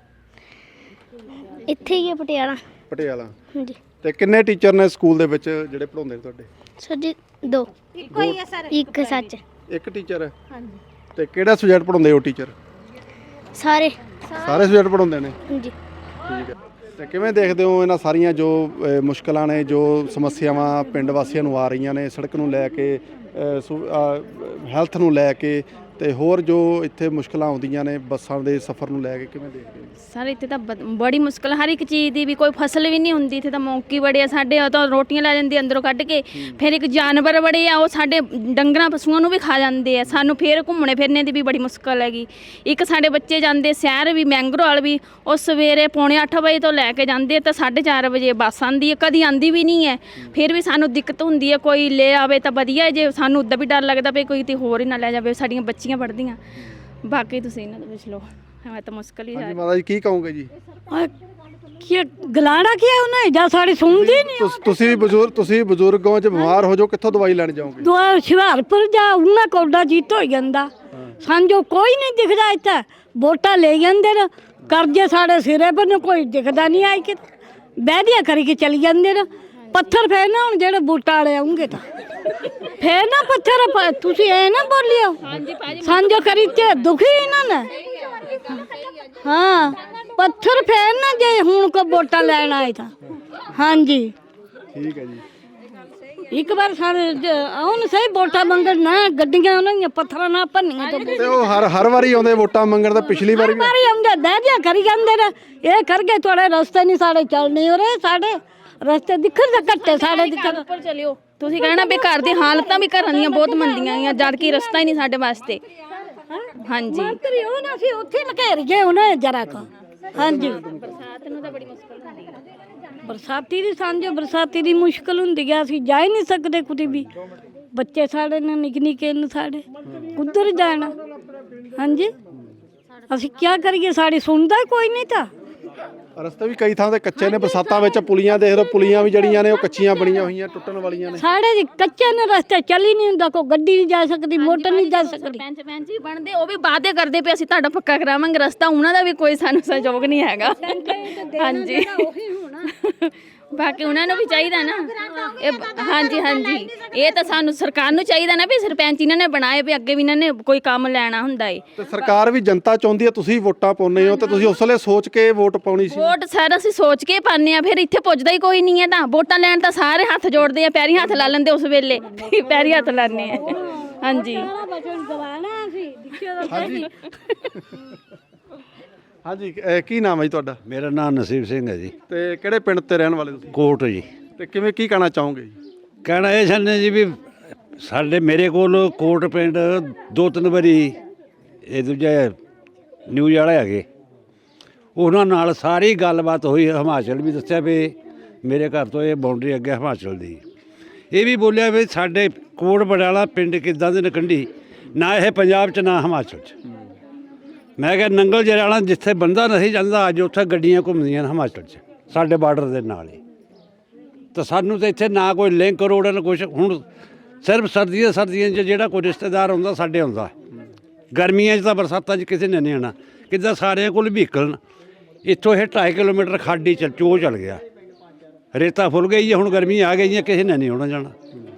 [SPEAKER 5] ਇੱਥੇ ਹੀ ਹੈ ਪਟਿਆਲਾ।
[SPEAKER 2] ਪਟਿਆਲਾ।
[SPEAKER 5] ਹਾਂਜੀ
[SPEAKER 2] ਤੇ ਕਿੰਨੇ ਟੀਚਰ ਨੇ ਸਕੂਲ ਦੇ ਵਿੱਚ ਜਿਹੜੇ ਪੜ੍ਹਾਉਂਦੇ ਨੇ ਤੁਹਾਡੇ?
[SPEAKER 5] ਸਾਡੇ ਦੋ, ਇੱਕੋ ਹੀ ਹੈ ਸਰ, ਇੱਕ ਸੱਚ।
[SPEAKER 2] ਇੱਕ ਟੀਚਰ ਹੈ? ਹਾਂਜੀ। ਤੇ ਕਿਹੜਾ ਸਬਜੈਕਟ ਪੜ੍ਹਾਉਂਦੇ ਉਹ ਟੀਚਰ?
[SPEAKER 5] ਸਾਰੇ
[SPEAKER 2] ਸਾਰੇ ਸਬਜੈਕਟ ਪੜ੍ਹਾਉਂਦੇ ਨੇ?
[SPEAKER 5] ਹਾਂਜੀ।
[SPEAKER 2] ਠੀਕ ਹੈ। ਤੇ ਕਿਵੇਂ ਦੇਖਦੇ ਹੋ ਇਹਨਾਂ ਸਾਰੀਆਂ ਜੋ ਅ, ਮੁਸ਼ਕਲਾਂ ਨੇ, ਜੋ ਸਮੱਸਿਆਵਾਂ ਪਿੰਡ ਵਾਸੀਆਂ ਨੂੰ ਆ ਰਹੀਆਂ ਨੇ, ਸੜਕ ਨੂੰ ਲੈ ਕੇ, ਹੈਲਥ ਨੂੰ ਲੈ ਕੇ, ਤੇ ਹੋਰ ਜੋ ਇੱਥੇ ਮੁਸ਼ਕਲਾਂ ਆਉਂਦੀਆਂ ਨੇ ਬੱਸਾਂ ਦੇ ਸਫ਼ਰ ਨੂੰ ਲੈ ਕੇ, ਕਿਵੇਂ ਦੇਖਦੇ ਹੋ?
[SPEAKER 3] ਸਰ ਇੱਥੇ ਤਾਂ ਬ- ਬੜੀ ਮੁਸ਼ਕਲ, ਹਰ ਇੱਕ ਚੀਜ਼ ਦੀ ਵੀ, ਕੋਈ ਫਸਲ ਵੀ ਨਹੀਂ ਹੁੰਦੀ ਇੱਥੇ ਤਾਂ, ਮੌਕੀ ਬੜੇ ਆ ਸਾਡੇ, ਉਹ ਤਾਂ ਰੋਟੀਆਂ ਲੈ ਜਾਂਦੇ ਅੰਦਰੋਂ ਕੱਢ ਕੇ। ਫਿਰ ਇੱਕ ਜਾਨਵਰ ਬੜੇ ਆ, ਉਹ ਸਾਡੇ ਡੰਗਰਾਂ ਪਸ਼ੂਆਂ ਨੂੰ ਵੀ ਖਾ ਜਾਂਦੇ ਆ, ਸਾਨੂੰ ਫਿਰ ਘੁੰਮਣੇ ਫਿਰਨੇ ਦੀ ਵੀ ਬੜੀ ਮੁਸ਼ਕਲ ਹੈਗੀ। ਇੱਕ ਸਾਡੇ ਬੱਚੇ ਜਾਂਦੇ ਸ਼ਹਿਰ ਵੀ, ਮੈਂਗਰੋਵਾਲ ਵੀ, ਉਹ ਸਵੇਰੇ ਪੌਣੇ ਅੱਠ ਵਜੇ ਤੋਂ ਲੈ ਕੇ ਜਾਂਦੇ ਤਾਂ ਸਾਢੇ ਚਾਰ ਵਜੇ ਬੱਸ ਆਉਂਦੀ ਹੈ, ਕਦੀ ਆਉਂਦੀ ਵੀ ਨਹੀਂ ਹੈ। ਫਿਰ ਵੀ ਸਾਨੂੰ ਦਿੱਕਤ ਹੁੰਦੀ ਹੈ, ਕੋਈ ਲੈ ਆਵੇ ਤਾਂ ਵਧੀਆ, ਜੇ ਸਾਨੂੰ ਉੱਦਾਂ ਵੀ ਡਰ ਲੱਗਦਾ ਵੀ ਕੋਈ ਤੇ ਹੋਰ ਹੀ ਨਾ ਲੈ ਜਾਵੇ, ਸਾਡੀਆਂ ਬੱਚੀਆਂ ਪੜ੍ਹਦੀਆਂ। ਬਾਕੀ ਤੁਸੀਂ ਇਹਨਾਂ ਦਾ ਪੁੱਛ ਲਓ, ਹੈ ਤਾਂ ਮੁਸ਼ਕਲ ਹੀ
[SPEAKER 2] ਹਾਂਜੀ
[SPEAKER 3] ਹੈ।
[SPEAKER 2] ਮਾਤਾ ਜੀ, ਕੀ ਕਹੋਗੇ ਜੀ?
[SPEAKER 1] ਕੀ ਗਲਾੜਾ ਕੀ ਹੈ ਉਹਨੇ, ਜਾਂ ਸਾਡੀ ਸੁਣਦੀ ਨਹੀਂ।
[SPEAKER 2] ਤੁਸ- ਤੁਸੀਂ ਵੀ ਬਜ਼ੁਰਗ ਤੁਸੀਂ ਬਜ਼ੁਰਗ ਹੋ, ਜੇ ਬਿਮਾਰ ਹੋ ਜਾਓ ਕਿੱਥੋਂ ਦਵਾਈ ਲੈਣ ਜਾਓਗੇ?
[SPEAKER 1] ਦੁਆ ਹੁਸ਼ਿਆਰਪੁਰ ਜਾ, ਉਹਨਾਂ ਕੋਡਾ ਜੀਤ ਹੋ ਜਾਂਦਾ, ਸਾਂਝੋ ਕੋਈ ਨਹੀਂ ਦਿਖਦਾ ਇੱਥੇ। ਵੋਟਾਂ ਲੈ ਜਾਂਦੇ ਨੇ, ਕਰਜ਼ੇ ਸਾਡੇ ਸਿਰੇ ਪਰ ਨੂੰ ਕੋਈ ਦਿਖਦਾ ਨਹੀਂ ਆਈ ਕਿ ਬਹਿਦੀਆਂ ਕਰੀ ਕੇ ਚਲੀ ਜਾਂਦੇ ਨੇ। ਪੱਥਰ ਫੇਰ ਨਾ ਹੁਣ ਜਿਹੜੇ ਬੂਟਾ ਵਾਲੇ ਆਉਂਗੇ ਤਾਂ ਫੇਰ ਨਾ ਪੱਥਰ ਪ- ਤੁਸੀਂ ਐ ਨਾ ਬੋਲਿਓ। ਸਾਂਝੋ ਕਰੀ ਤੇ ਦੁਖੀ ਇਹਨਾਂ ਨੇ। ਹਾਂ, ਪੱਥਰ ਫੇਰ ਨਾ ਜੇ ਹੁਣ ਕੋ ਵੋਟਾਂ ਲੈਣ ਆਏ ਤਾਂ। ਹਾਂਜੀ
[SPEAKER 2] ਠੀਕ ਹੈ ਜੀ।
[SPEAKER 1] ਇੱਕ ਵਾਰ ਸਾਰੇ ਜ- ਆਉਣ ਸਹੀ ਵੋਟਾਂ ਮੰਗਣ ਨਾ, ਗੱਡੀਆਂ ਉਹਨਾਂ ਦੀਆਂ ਪੱਥਰਾਂ ਨਾਲ ਭੰਨੀਆਂ ਤੋਂ
[SPEAKER 2] ਤੇ ਉਹ ਹਰ ਹਰ ਵਾਰੀ ਆਉਂਦੇ ਵੋਟਾਂ ਮੰਗਣ, ਤਾਂ ਪਿਛਲੀ ਵਾਰੀ ਵੀ
[SPEAKER 1] ਮਾਰੀ ਆਉਂਦੇ ਦਹਿਜਾ ਕਰੀ ਜਾਂਦੇ ਨੇ। ਇਹ ਕਰ ਗਏ ਤੁਹਾਡੇ ਰਸਤੇ ਨਹੀਂ ਸਾਡੇ ਚੱਲਣੇ, ਹੋ ਰਹੇ ਸਾਡੇ ਰਸਤੇ ਦਿਖਣ ਦੇ ਘੱਟੇ ਸਾਡੇ ਦਿਖਣ।
[SPEAKER 3] ਉੱਪਰ ਚਲਿਓ, ਤੁਸੀਂ ਕਹਿਣਾ ਵੀ ਘਰ ਦੀ ਹਾਲਤਾਂ ਵੀ ਘਰਾਂ ਦੀਆਂ ਬਹੁਤ ਮੰਦੀਆਂ ਆਈਆਂ, ਜਦ ਕਿ ਰਸਤਾ ਹੀ ਨਹੀਂ ਸਾਡੇ ਵਾਸਤੇ। ਹਾਂਜੀ
[SPEAKER 1] ਮੰਤਰੀ ਉਹ ਨਾ ਸੀ ਉੱਥੇ ਲਘੇਰ ਗਏ ਉਹਨੇ ਜਰਾ ਕੋ। ਹਾਂਜੀ,
[SPEAKER 3] ਬਰਸਾਤ ਨੂੰ ਤਾਂ ਬੜੀ ਮੁਸ਼ਕਲ ਹੁੰਦੀ ਹੈ।
[SPEAKER 1] ਬਰਸਾਤੀ ਦੀ ਸਾਂਝੋ ਬਰਸਾਤੀ ਦੀ ਮੁਸ਼ਕਲ ਹੁੰਦੀ ਆ, ਅਸੀਂ ਜਾ ਹੀ ਨਹੀਂ ਸਕਦੇ ਕੁਤੇ ਵੀ। ਬੱਚੇ ਸਾਡੇ ਨੇ ਨਿੱਕੇ ਨਿੱਕੇ ਨੇ, ਸਾਡੇ ਕੁੱਧਰ ਜਾਣਾ? ਹਾਂਜੀ, ਅਸੀਂ ਕੀ ਕਰੀਏ, ਸਾਡੀ ਸੁਣਦਾ ਹੀ ਕੋਈ ਨਹੀਂ ਤਾਂ।
[SPEAKER 2] ਰਸਤੇ ਵੀ ਕਈ ਥਾਂ ਤੇ ਕੱਚੇ ਨੇ, ਬਰਸਾਤਾਂ ਵਿੱਚ ਪੁਲੀਆਂ ਦੇਖ ਲਓ, ਪੁਲੀਆਂ ਵੀ ਜਿਹੜੀਆਂ ਨੇ ਉਹ ਕੱਚੀਆਂ ਬਣੀਆਂ ਹੋਈਆਂ, ਟੁੱਟਣ ਵਾਲੀਆਂ ਨੇ।
[SPEAKER 1] ਸਾਡੇ ਜੀ ਕੱਚੇ ਨੇ ਰਸਤੇ, ਚੱਲ ਹੀ ਨਹੀਂ ਹੁੰਦਾ, ਕੋਈ ਗੱਡੀ ਨਹੀਂ ਜਾ ਸਕਦੀ, ਮੋਟਰ ਨਹੀਂ ਜਾ ਸਕਦੀ।
[SPEAKER 3] ਸਰਪੰਚ ਪੈਂਚ ਹੀ ਬਣਦੇ, ਉਹ ਵੀ ਵਾਅਦੇ ਕਰਦੇ ਪਏ ਅਸੀਂ ਤੁਹਾਡਾ ਪੱਕਾ ਕਰਾਵਾਂਗੇ ਰਸਤਾ, ਉਹਨਾਂ ਦਾ ਵੀ ਕੋਈ ਸਾਨੂੰ ਸਹਿਯੋਗ ਨਹੀਂ ਹੈਗਾ। ਹਾਂਜੀ, ਬਾਕੀ ਉਹਨਾਂ ਨੂੰ ਵੀ ਚਾਹੀਦਾ ਨਾ ਇਹ। ਹਾਂਜੀ ਹਾਂਜੀ, ਇਹ ਤਾਂ ਸਾਨੂੰ ਸਰਕਾਰ ਨੂੰ ਚਾਹੀਦਾ ਨਾ ਵੀ ਸਰਪੰਚ ਇਹਨਾਂ ਨੇ ਬਣਾਏ ਵੀ, ਅੱਗੇ ਵੀ ਇਹਨਾਂ ਨੇ ਕੋਈ ਕੰਮ ਲੈਣਾ ਹੁੰਦਾ ਏ।
[SPEAKER 2] ਤੇ ਸਰਕਾਰ ਵੀ ਜਨਤਾ ਚਾਹੁੰਦੀ ਹੈ, ਤੁਸੀਂ ਵੋਟਾਂ ਪਾਉਂਦੇ ਹੋ, ਤੇ ਤੁਸੀਂ ਉਸ ਵੇਲੇ ਸੋਚ ਕੇ ਵੋਟ ਪਾਉਣੀ ਸੀ।
[SPEAKER 3] ਵੋਟ ਸਾਰਾ ਅਸੀਂ ਸੋਚ ਕੇ ਪਾਉਂਦੇ ਆ, ਫਿਰ ਇੱਥੇ ਪੁੱਜਦਾ ਹੀ ਕੋਈ ਨਹੀਂ ਹੈ। ਤਾਂ ਵੋਟਾਂ ਲੈਣ ਤਾਂ ਸਾਰੇ ਹੱਥ ਜੋੜਦੇ ਆ, ਪੈਰੀ ਹੱਥ ਲਾ ਲੈਂਦੇ ਉਸ ਵੇਲੇ, ਪੈਰੀ ਹੱਥ ਲਾਉਂਦੇ ਆ। ਹਾਂਜੀ
[SPEAKER 2] ਹਾਂਜੀ ਹਾਂਜੀ, ਅਹ ਕੀ ਨਾਮ ਹੈ ਜੀ ਤੁਹਾਡਾ?
[SPEAKER 4] ਮੇਰਾ ਨਾਮ ਨਸੀਬ ਸਿੰਘ ਹੈ ਜੀ,
[SPEAKER 2] ਤੇ ਕਿਹੜੇ ਪਿੰਡ ਤੇ ਰਹਿਣ ਵਾਲੇ ਤੁਸੀਂ?
[SPEAKER 4] ਕੋਟ ਜੀ।
[SPEAKER 2] ਤੇ ਕਿਵੇਂ ਕੀ ਕਹਿਣਾ ਚਾਹੋਗੇ ਜੀ?
[SPEAKER 4] ਕਹਿਣਾ ਇਹ ਚਾਹੁੰਦੇ ਜੀ ਵੀ ਸਾਡੇ ਮੇਰੇ ਕੋਲ ਕੋਟ ਪਿੰਡ ਦੋ ਤਿੰਨ ਵਾਰੀ ਇਹ ਦੂਜੇ ਨਿਊਜ਼ ਵਾਲੇ ਹੈਗੇ, ਉਹਨਾਂ ਨਾਲ ਸਾਰੀ ਗੱਲਬਾਤ ਹੋਈ। ਹਿਮਾਚਲ ਵੀ ਦੱਸਿਆ ਵੀ ਮੇਰੇ ਘਰ ਤੋਂ ਇਹ ਬਾਉਂਡਰੀ ਅੱਗੇ ਹਿਮਾਚਲ ਦੀ। ਇਹ ਵੀ ਬੋਲਿਆ ਵੀ ਸਾਡੇ ਕੋਟ ਬੜਾਲਾ ਪਿੰਡ ਕਿੱਦਾਂ ਦੇ ਨਕੰਢੀ, ਨਾ ਇਹ ਪੰਜਾਬ 'ਚ ਨਾ ਹਿਮਾਚਲ 'ਚ। ਮੈਂ ਕਿਹਾ ਨੰਗਲ ਜਰਾਲਾ ਜਿੱਥੇ ਬੰਦਾ ਨਹੀਂ ਜਾਂਦਾ ਅੱਜ ਉੱਥੇ ਗੱਡੀਆਂ ਘੁੰਮਦੀਆਂ ਨੇ ਹਿਮਾਚਲ 'ਚ, ਸਾਡੇ ਬਾਰਡਰ ਦੇ ਨਾਲ ਹੀ। ਤਾਂ ਸਾਨੂੰ ਤਾਂ ਇੱਥੇ ਨਾ ਕੋਈ ਲਿੰਕ ਰੋਡ ਨਾ ਕੁਛ। ਹੁਣ ਸਿਰਫ ਸਰਦੀਆਂ ਸਰਦੀਆਂ 'ਚ ਜਿਹੜਾ ਕੋਈ ਰਿਸ਼ਤੇਦਾਰ ਹੁੰਦਾ ਸਾਡੇ ਹੁੰਦਾ, ਗਰਮੀਆਂ 'ਚ ਤਾਂ ਬਰਸਾਤਾਂ 'ਚ ਕਿਸੇ ਨੇ ਨਹੀਂ ਆਉਣਾ। ਕਿੱਦਾਂ ਸਾਰਿਆਂ ਕੋਲ ਵਹੀਕਲ, ਇੱਥੋਂ ਇਹ ਢਾਈ ਕਿਲੋਮੀਟਰ ਖਾਡੀ ਚ ਚੋ ਚੱਲ ਗਿਆ, ਰੇਤਾ ਫੁੱਲ ਗਈ ਹੈ। ਹੁਣ ਗਰਮੀ ਆ ਗਈ ਹੈ, ਕਿਸੇ ਨੇ ਨਹੀਂ ਆਉਣਾ ਜਾਣਾ।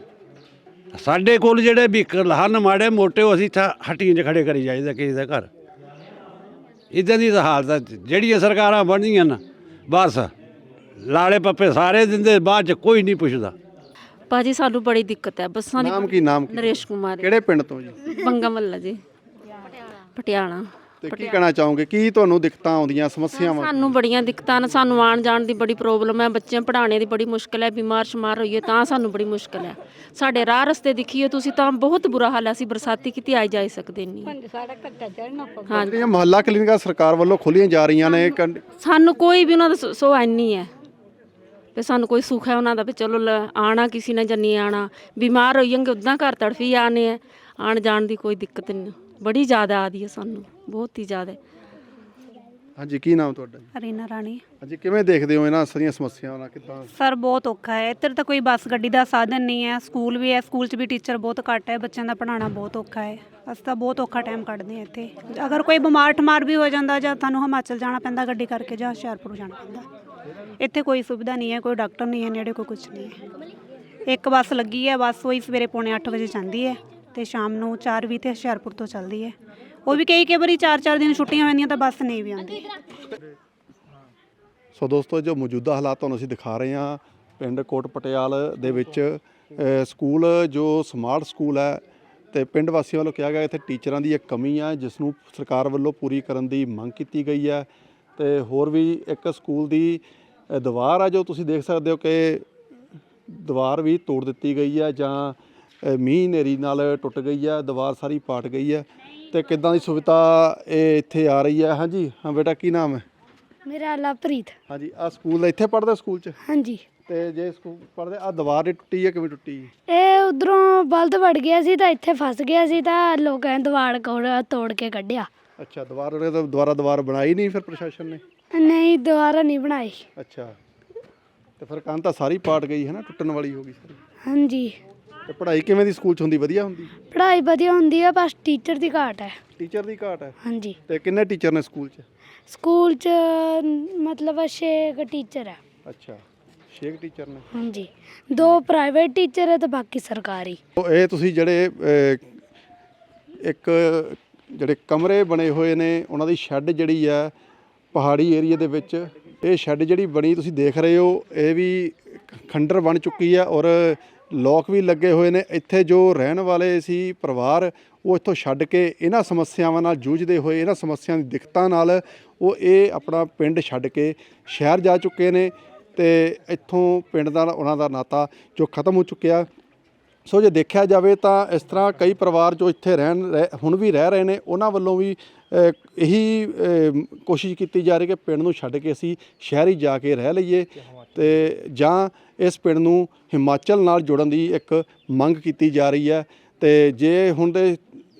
[SPEAKER 4] ਸਾਡੇ ਕੋਲ ਜਿਹੜੇ ਵਹੀਕਲ ਹਨ ਮਾੜੇ ਮੋਟੇ, ਉਹ ਅਸੀਂ ਇੱਥੇ ਹੱਟੀਆਂ 'ਚ ਖੜੇ ਕਰੀ ਜਾਈਦਾ ਕਿਸੇ ਦਾ ਘਰ। ਇੱਦਾਂ ਦੀ ਤਾਂ ਹਾਲਤ ਹੈ। ਜਿਹੜੀਆਂ ਸਰਕਾਰਾਂ ਬਣਦੀਆਂ ਨਾ ਬਸ ਲਾਲੇ ਪੱਪੇ ਸਾਰੇ ਦਿੰਦੇ, ਬਾਅਦ 'ਚ ਕੋਈ ਨਹੀਂ ਪੁੱਛਦਾ।
[SPEAKER 9] ਭਾਜੀ ਸਾਨੂੰ ਬੜੀ ਦਿੱਕਤ ਹੈ ਬੱਸਾਂ ਦੀ।
[SPEAKER 2] ਨਾਮ ਕੀ ਨਾਮ ਕੀ?
[SPEAKER 9] ਨਰੇਸ਼ ਕੁਮਾਰ
[SPEAKER 2] ਕਿਹੜੇ ਪਿੰਡ ਤੋਂ ਜੀ?
[SPEAKER 9] ਬੰਗਾ ਮੱਲਾ ਜੀ, ਪਟਿਆਲਾ।
[SPEAKER 2] ਤੇ ਕੀ ਕਹਿਣਾ ਚਾਹੋਗੇ, ਕੀ ਤੁਹਾਨੂੰ ਦਿੱਕਤਾਂ ਆਉਂਦੀਆਂ, ਸਮੱਸਿਆਵਾਂ?
[SPEAKER 9] ਸਾਨੂੰ ਬੜੀਆਂ ਦਿੱਕਤਾਂ ਨੇ, ਸਾਨੂੰ ਆਉਣ ਜਾਣ ਦੀ ਬੜੀ ਪ੍ਰੋਬਲਮ ਹੈ, ਬੱਚਿਆਂ ਪੜ੍ਹਾਉਣੇ ਦੀ ਬੜੀ ਮੁਸ਼ਕਿਲ ਹੈ, ਬਿਮਾਰ ਸ਼ਮਾਰ ਹੋਈਏ ਤਾਂ ਸਾਨੂੰ ਬੜੀ ਮੁਸ਼ਕਿਲ ਹੈ। ਸਾਡੇ ਰਾਹ ਰਸਤੇ ਦੇਖੀਏ ਤੁਸੀਂ ਤਾਂ ਬਹੁਤ ਬੁਰਾ ਹਾਲ ਹੈ, ਅਸੀਂ ਬਰਸਾਤੀ ਕਿਤੇ ਆਈ ਜਾਈ ਸਕਦੇ ਨਹੀਂ।
[SPEAKER 2] ਹਾਂ, ਜਿਹੜੀਆਂ ਮੁਹੱਲਾ ਕਲੀਨਿਕਾਂ ਸਰਕਾਰ ਵੱਲੋਂ ਖੋਲੀਆਂ ਜਾ ਰਹੀਆਂ ਨੇ, ਕੰਡ-
[SPEAKER 9] ਸਾਨੂੰ ਕੋਈ ਵੀ ਉਹਨਾਂ ਦਾ ਸੋ ਨਹੀਂ ਹੈ ਵੀ ਸਾਨੂੰ ਕੋਈ ਸੁੱਖ ਹੈ ਉਹਨਾਂ ਦਾ ਵੀ ਚਲੋ ਲ- ਆਉਣਾ ਕਿਸੇ ਨੇ ਜੰਨੀ ਆਉਣਾ, ਬਿਮਾਰ ਹੋਈਏਂਗੇ ਉੱਦਾਂ ਘਰ ਤੜਫੀ ਆਨੇ ਹੈ, ਆਉਣ ਜਾਣ ਦੀ ਕੋਈ ਦਿੱਕਤ ਨਹੀਂ, ਬੜੀ ਜ਼ਿਆਦਾ ਆਦੀ ਹੈ ਸਾਨੂੰ, ਬਹੁਤ ਹੀ ਜ਼ਿਆਦਾ।
[SPEAKER 2] ਹਾਂਜੀ, ਕੀ ਨਾਮ ਤੁਹਾਡਾ ਜੀ?
[SPEAKER 10] ਰੀਨਾ ਰਾਣੀ।
[SPEAKER 2] ਹਾਂਜੀ, ਕਿਵੇਂ ਦੇਖਦੇ ਹੋ ਇਹਨਾਂ ਸਾਰੀਆਂ ਸਮੱਸਿਆਵਾਂ ਨਾਲ? ਕਿੱਦਾਂ?
[SPEAKER 10] ਸਰ ਬਹੁਤ ਔਖਾ ਹੈ, ਇੱਧਰ ਤਾਂ ਕੋਈ ਬੱਸ ਗੱਡੀ ਦਾ ਸਾਧਨ ਨਹੀਂ ਹੈ, ਸਕੂਲ ਵੀ ਹੈ, ਸਕੂਲ 'ਚ ਵੀ ਟੀਚਰ ਬਹੁਤ ਘੱਟ ਹੈ, ਬੱਚਿਆਂ ਦਾ ਪੜ੍ਹਾਉਣਾ ਬਹੁਤ ਔਖਾ ਹੈ। ਅਸੀਂ ਤਾਂ ਬਹੁਤ ਔਖਾ ਟਾਈਮ ਕੱਢਦੇ ਹਾਂ ਇੱਥੇ। ਅਗਰ ਕੋਈ ਬਿਮਾਰ ਠਮਾਰ ਵੀ ਹੋ ਜਾਂਦਾ ਜਾਂ ਤੁਹਾਨੂੰ ਹਿਮਾਚਲ ਜਾਣਾ ਪੈਂਦਾ ਗੱਡੀ ਕਰਕੇ, ਜਾਂ ਹੁਸ਼ਿਆਰਪੁਰ ਜਾਣਾ ਪੈਂਦਾ। ਇੱਥੇ ਕੋਈ ਸੁਵਿਧਾ ਨਹੀਂ ਹੈ, ਕੋਈ ਡਾਕਟਰ ਨਹੀਂ ਹੈ ਨੇੜੇ, ਕੋਈ ਕੁਛ ਨਹੀਂ ਹੈ। ਇੱਕ ਬੱਸ ਲੱਗੀ ਹੈ, ਬੱਸ ਉਹੀ ਸਵੇਰੇ ਪੌਣੇ ਅੱਠ ਵਜੇ ਜਾਂਦੀ ਹੈ ਤੇ ਸ਼ਾਮ ਨੂੰ ਚਾਰ ਵੀਹ ਤੇ ਹੁਸ਼ਿਆਰਪੁਰ ਤੋਂ ਚੱਲਦੀ ਹੈ। ਉਹ ਵੀ ਕਈ ਕਈ ਵਾਰੀ ਚਾਰ ਚਾਰ ਦਿਨ ਛੁੱਟੀਆਂ ਹੁੰਦੀਆਂ ਤਾਂ ਬੱਸ ਨਹੀਂ ਵੀ ਆਉਂਦੀ।
[SPEAKER 2] ਸੋ ਦੋਸਤੋ, ਜੋ ਮੌਜੂਦਾ ਹਾਲਾਤ ਤੁਹਾਨੂੰ ਅਸੀਂ ਦਿਖਾ ਰਹੇ ਹਾਂ ਪਿੰਡ ਕੋਟ ਪਟਿਆਲ ਦੇ ਵਿੱਚ, ਅ, ਸਕੂਲ ਜੋ ਸਮਾਰਟ ਸਕੂਲ ਹੈ, ਤੇ ਪਿੰਡ ਵਾਸੀਆਂ ਵੱਲੋਂ ਕਿਹਾ ਗਿਆ ਇੱਥੇ ਟੀਚਰਾਂ ਦੀ ਇੱਕ ਕਮੀ ਹੈ, ਜਿਸ ਨੂੰ ਸਰਕਾਰ ਵੱਲੋਂ ਪੂਰੀ ਕਰਨ ਦੀ ਮੰਗ ਕੀਤੀ ਗਈ ਹੈ। ਤੇ ਹੋਰ ਵੀ ਇੱਕ ਸਕੂਲ ਦੀ ਅ, ਦੀਵਾਰ ਆ ਜੋ ਤੁਸੀਂ ਦੇਖ ਸਕਦੇ ਹੋ ਕਿ ਦੀਵਾਰ ਵੀ ਤੋੜ ਦਿੱਤੀ ਗਈ ਹੈ, ਜਾਂ ਅ, ਮੀਂਹ ਹਨੇਰੀ ਨਾਲ ਟੁੱਟ ਗਈ ਹੈ, ਦੀਵਾਰ ਸਾਰੀ ਪਾਟ ਗਈ ਹੈ। ਤੇ ਕਿੱਦਾਂ ਦੀ ਸੁਵਿਧਾ ਇਹ ਇੱਥੇ ਆ ਰਹੀ ਹੈ? ਹਾਂਜੀ, ਹਾਂ ਬੇਟਾ, ਕੀ ਨਾਮ ਹੈ?
[SPEAKER 5] ਮੇਰਾ ਲਵਪ੍ਰੀਤ।
[SPEAKER 2] ਹਾਂਜੀ, ਆ ਸਕੂਲ ਇੱਥੇ ਪੜ੍ਹਦਾ ਸਕੂਲ 'ਚ?
[SPEAKER 5] ਹਾਂਜੀ।
[SPEAKER 2] ਤੇ ਜੇ ਸਕੂਲ ਪੜ੍ਹਦੇ, ਆ ਦੀਵਾਰ ਹੀ ਟੁੱਟੀ ਹੈ, ਕਿਵੇਂ ਟੁੱਟੀ?
[SPEAKER 5] ਇਹ ਉਧਰੋਂ ਬਲਦ ਵੜ ਗਿਆ ਸੀ ਤਾਂ ਇੱਥੇ ਫਸ ਗਿਆ ਸੀ ਤਾਂ ਲੋਕਾਂ ਨੇ ਦੀਵਾਰ ਕੋਲ ਤੋੜ ਕੇ ਕੱਢਿਆ।
[SPEAKER 2] ਅੱਛਾ, ਦੀਵਾਰ ਉਹਨੇ ਤਾਂ ਦੁਬਾਰਾ ਦੀਵਾਰ ਬਣਾਈ ਨਹੀਂ ਫਿਰ ਪ੍ਰਸ਼ਾਸਨ ਨੇ?
[SPEAKER 5] ਨਹੀਂ, ਦੁਬਾਰਾ ਨਹੀਂ ਬਣਾਈ।
[SPEAKER 2] ਅੱਛਾ, ਤੇ ਫਿਰ ਕੰਧ ਤਾਂ ਸਾਰੀ ਪਾਟ ਗਈ ਹੈ ਨਾ, ਟੁੱਟਣ ਵਾਲੀ ਹੋ ਗਈ ਸਾਰੀ।
[SPEAKER 5] ਹਾਂਜੀ।
[SPEAKER 2] ਤੇ ਪੜ੍ਹਾਈ ਕਿਵੇਂ ਦੀ ਸਕੂਲ 'ਚ ਹੁੰਦੀ? ਵਧੀਆ ਹੁੰਦੀ?
[SPEAKER 5] ਪੜ੍ਹਾਈ ਵਧੀਆ ਹੁੰਦੀ ਹੈ, ਬਸ ਟੀਚਰ ਦੀ ਘਾਟ ਹੈ।
[SPEAKER 2] ਟੀਚਰ ਦੀ ਘਾਟ ਹੈ?
[SPEAKER 5] ਹਾਂਜੀ।
[SPEAKER 2] ਤੇ ਕਿੰਨੇ ਟੀਚਰ ਨੇ ਸਕੂਲ 'ਚ?
[SPEAKER 5] ਸਕੂਲ 'ਚ ਮਤਲਬ ਛੇ ਕੁ ਟੀਚਰ ਹੈ।
[SPEAKER 2] ਅੱਛਾ, ਛੇ ਟੀਚਰ ਨੇ?
[SPEAKER 5] ਹਾਂਜੀ, ਦੋ ਪ੍ਰਾਈਵੇਟ ਟੀਚਰ ਹੈ ਤੇ ਬਾਕੀ ਸਰਕਾਰੀ।
[SPEAKER 2] ਇਹ ਤੁਸੀਂ ਜਿਹੜੇ ਅ, ਇੱਕ ਜਿਹੜੇ ਕਮਰੇ ਬਣੇ ਹੋਏ ਨੇ, ਉਹਨਾਂ ਦੀ ਸ਼ੈੱਡ ਜਿਹੜੀ ਹੈ ਪਹਾੜੀ ਏਰੀਆ ਦੇ ਵਿੱਚ, ਇਹ ਸ਼ੈੱਡ ਜਿਹੜੀ ਬਣੀ ਤੁਸੀਂ ਦੇਖ ਰਹੇ ਹੋ, ਇਹ ਵੀ ਖੰਡਰ ਬਣ ਚੁੱਕੀ ਹੈ ਔਰ ਲੋਕ ਵੀ ਲੱਗੇ ਹੋਏ ਨੇ। ਇੱਥੇ ਜੋ ਰਹਿਣ ਵਾਲੇ ਸੀ ਪਰਿਵਾਰ, ਉਹ ਇੱਥੋਂ ਛੱਡ ਕੇ ਇਹਨਾਂ ਸਮੱਸਿਆਵਾਂ ਨਾਲ ਜੂਝਦੇ ਹੋਏ, ਇਹਨਾਂ ਸਮੱਸਿਆਵਾਂ ਦੀ ਦਿੱਕਤਾਂ ਨਾਲ ਉਹ ਇਹ ਆਪਣਾ ਪਿੰਡ ਛੱਡ ਕੇ ਸ਼ਹਿਰ ਜਾ ਚੁੱਕੇ ਨੇ, ਤੇ ਇੱਥੋਂ ਪਿੰਡ ਦਾ ਉਹਨਾਂ ਦਾ ਨਾਤਾ ਜੋ ਖਤਮ ਹੋ ਚੁੱਕਿਆ। ਸੋ ਜੇ ਦੇਖਿਆ ਜਾਵੇ ਤਾਂ ਇਸ ਤਰ੍ਹਾਂ ਕਈ ਪਰਿਵਾਰ ਜੋ ਇੱਥੇ ਰਹਿਣ ਰਹਿ- ਹੁਣ ਵੀ ਰਹਿ ਰਹੇ ਨੇ, ਉਹਨਾਂ ਵੱਲੋਂ ਵੀ ਅ, ਇਹੀ ਅ, ਕੋਸ਼ਿਸ਼ ਕੀਤੀ ਜਾ ਰਹੀ ਕਿ ਪਿੰਡ ਨੂੰ ਛੱਡ ਕੇ ਅਸੀਂ ਸ਼ਹਿਰੀ ਜਾ ਕੇ ਰਹਿ ਲਈਏ, ਤੇ ਜਾਂ ਇਸ ਪਿੰਡ ਨੂੰ ਹਿਮਾਚਲ ਨਾਲ ਜੋੜਨ ਦੀ ਇੱਕ ਮੰਗ ਕੀਤੀ ਜਾ ਰਹੀ ਹੈ। ਤੇ ਜੇ ਹੁਣ ਦੇ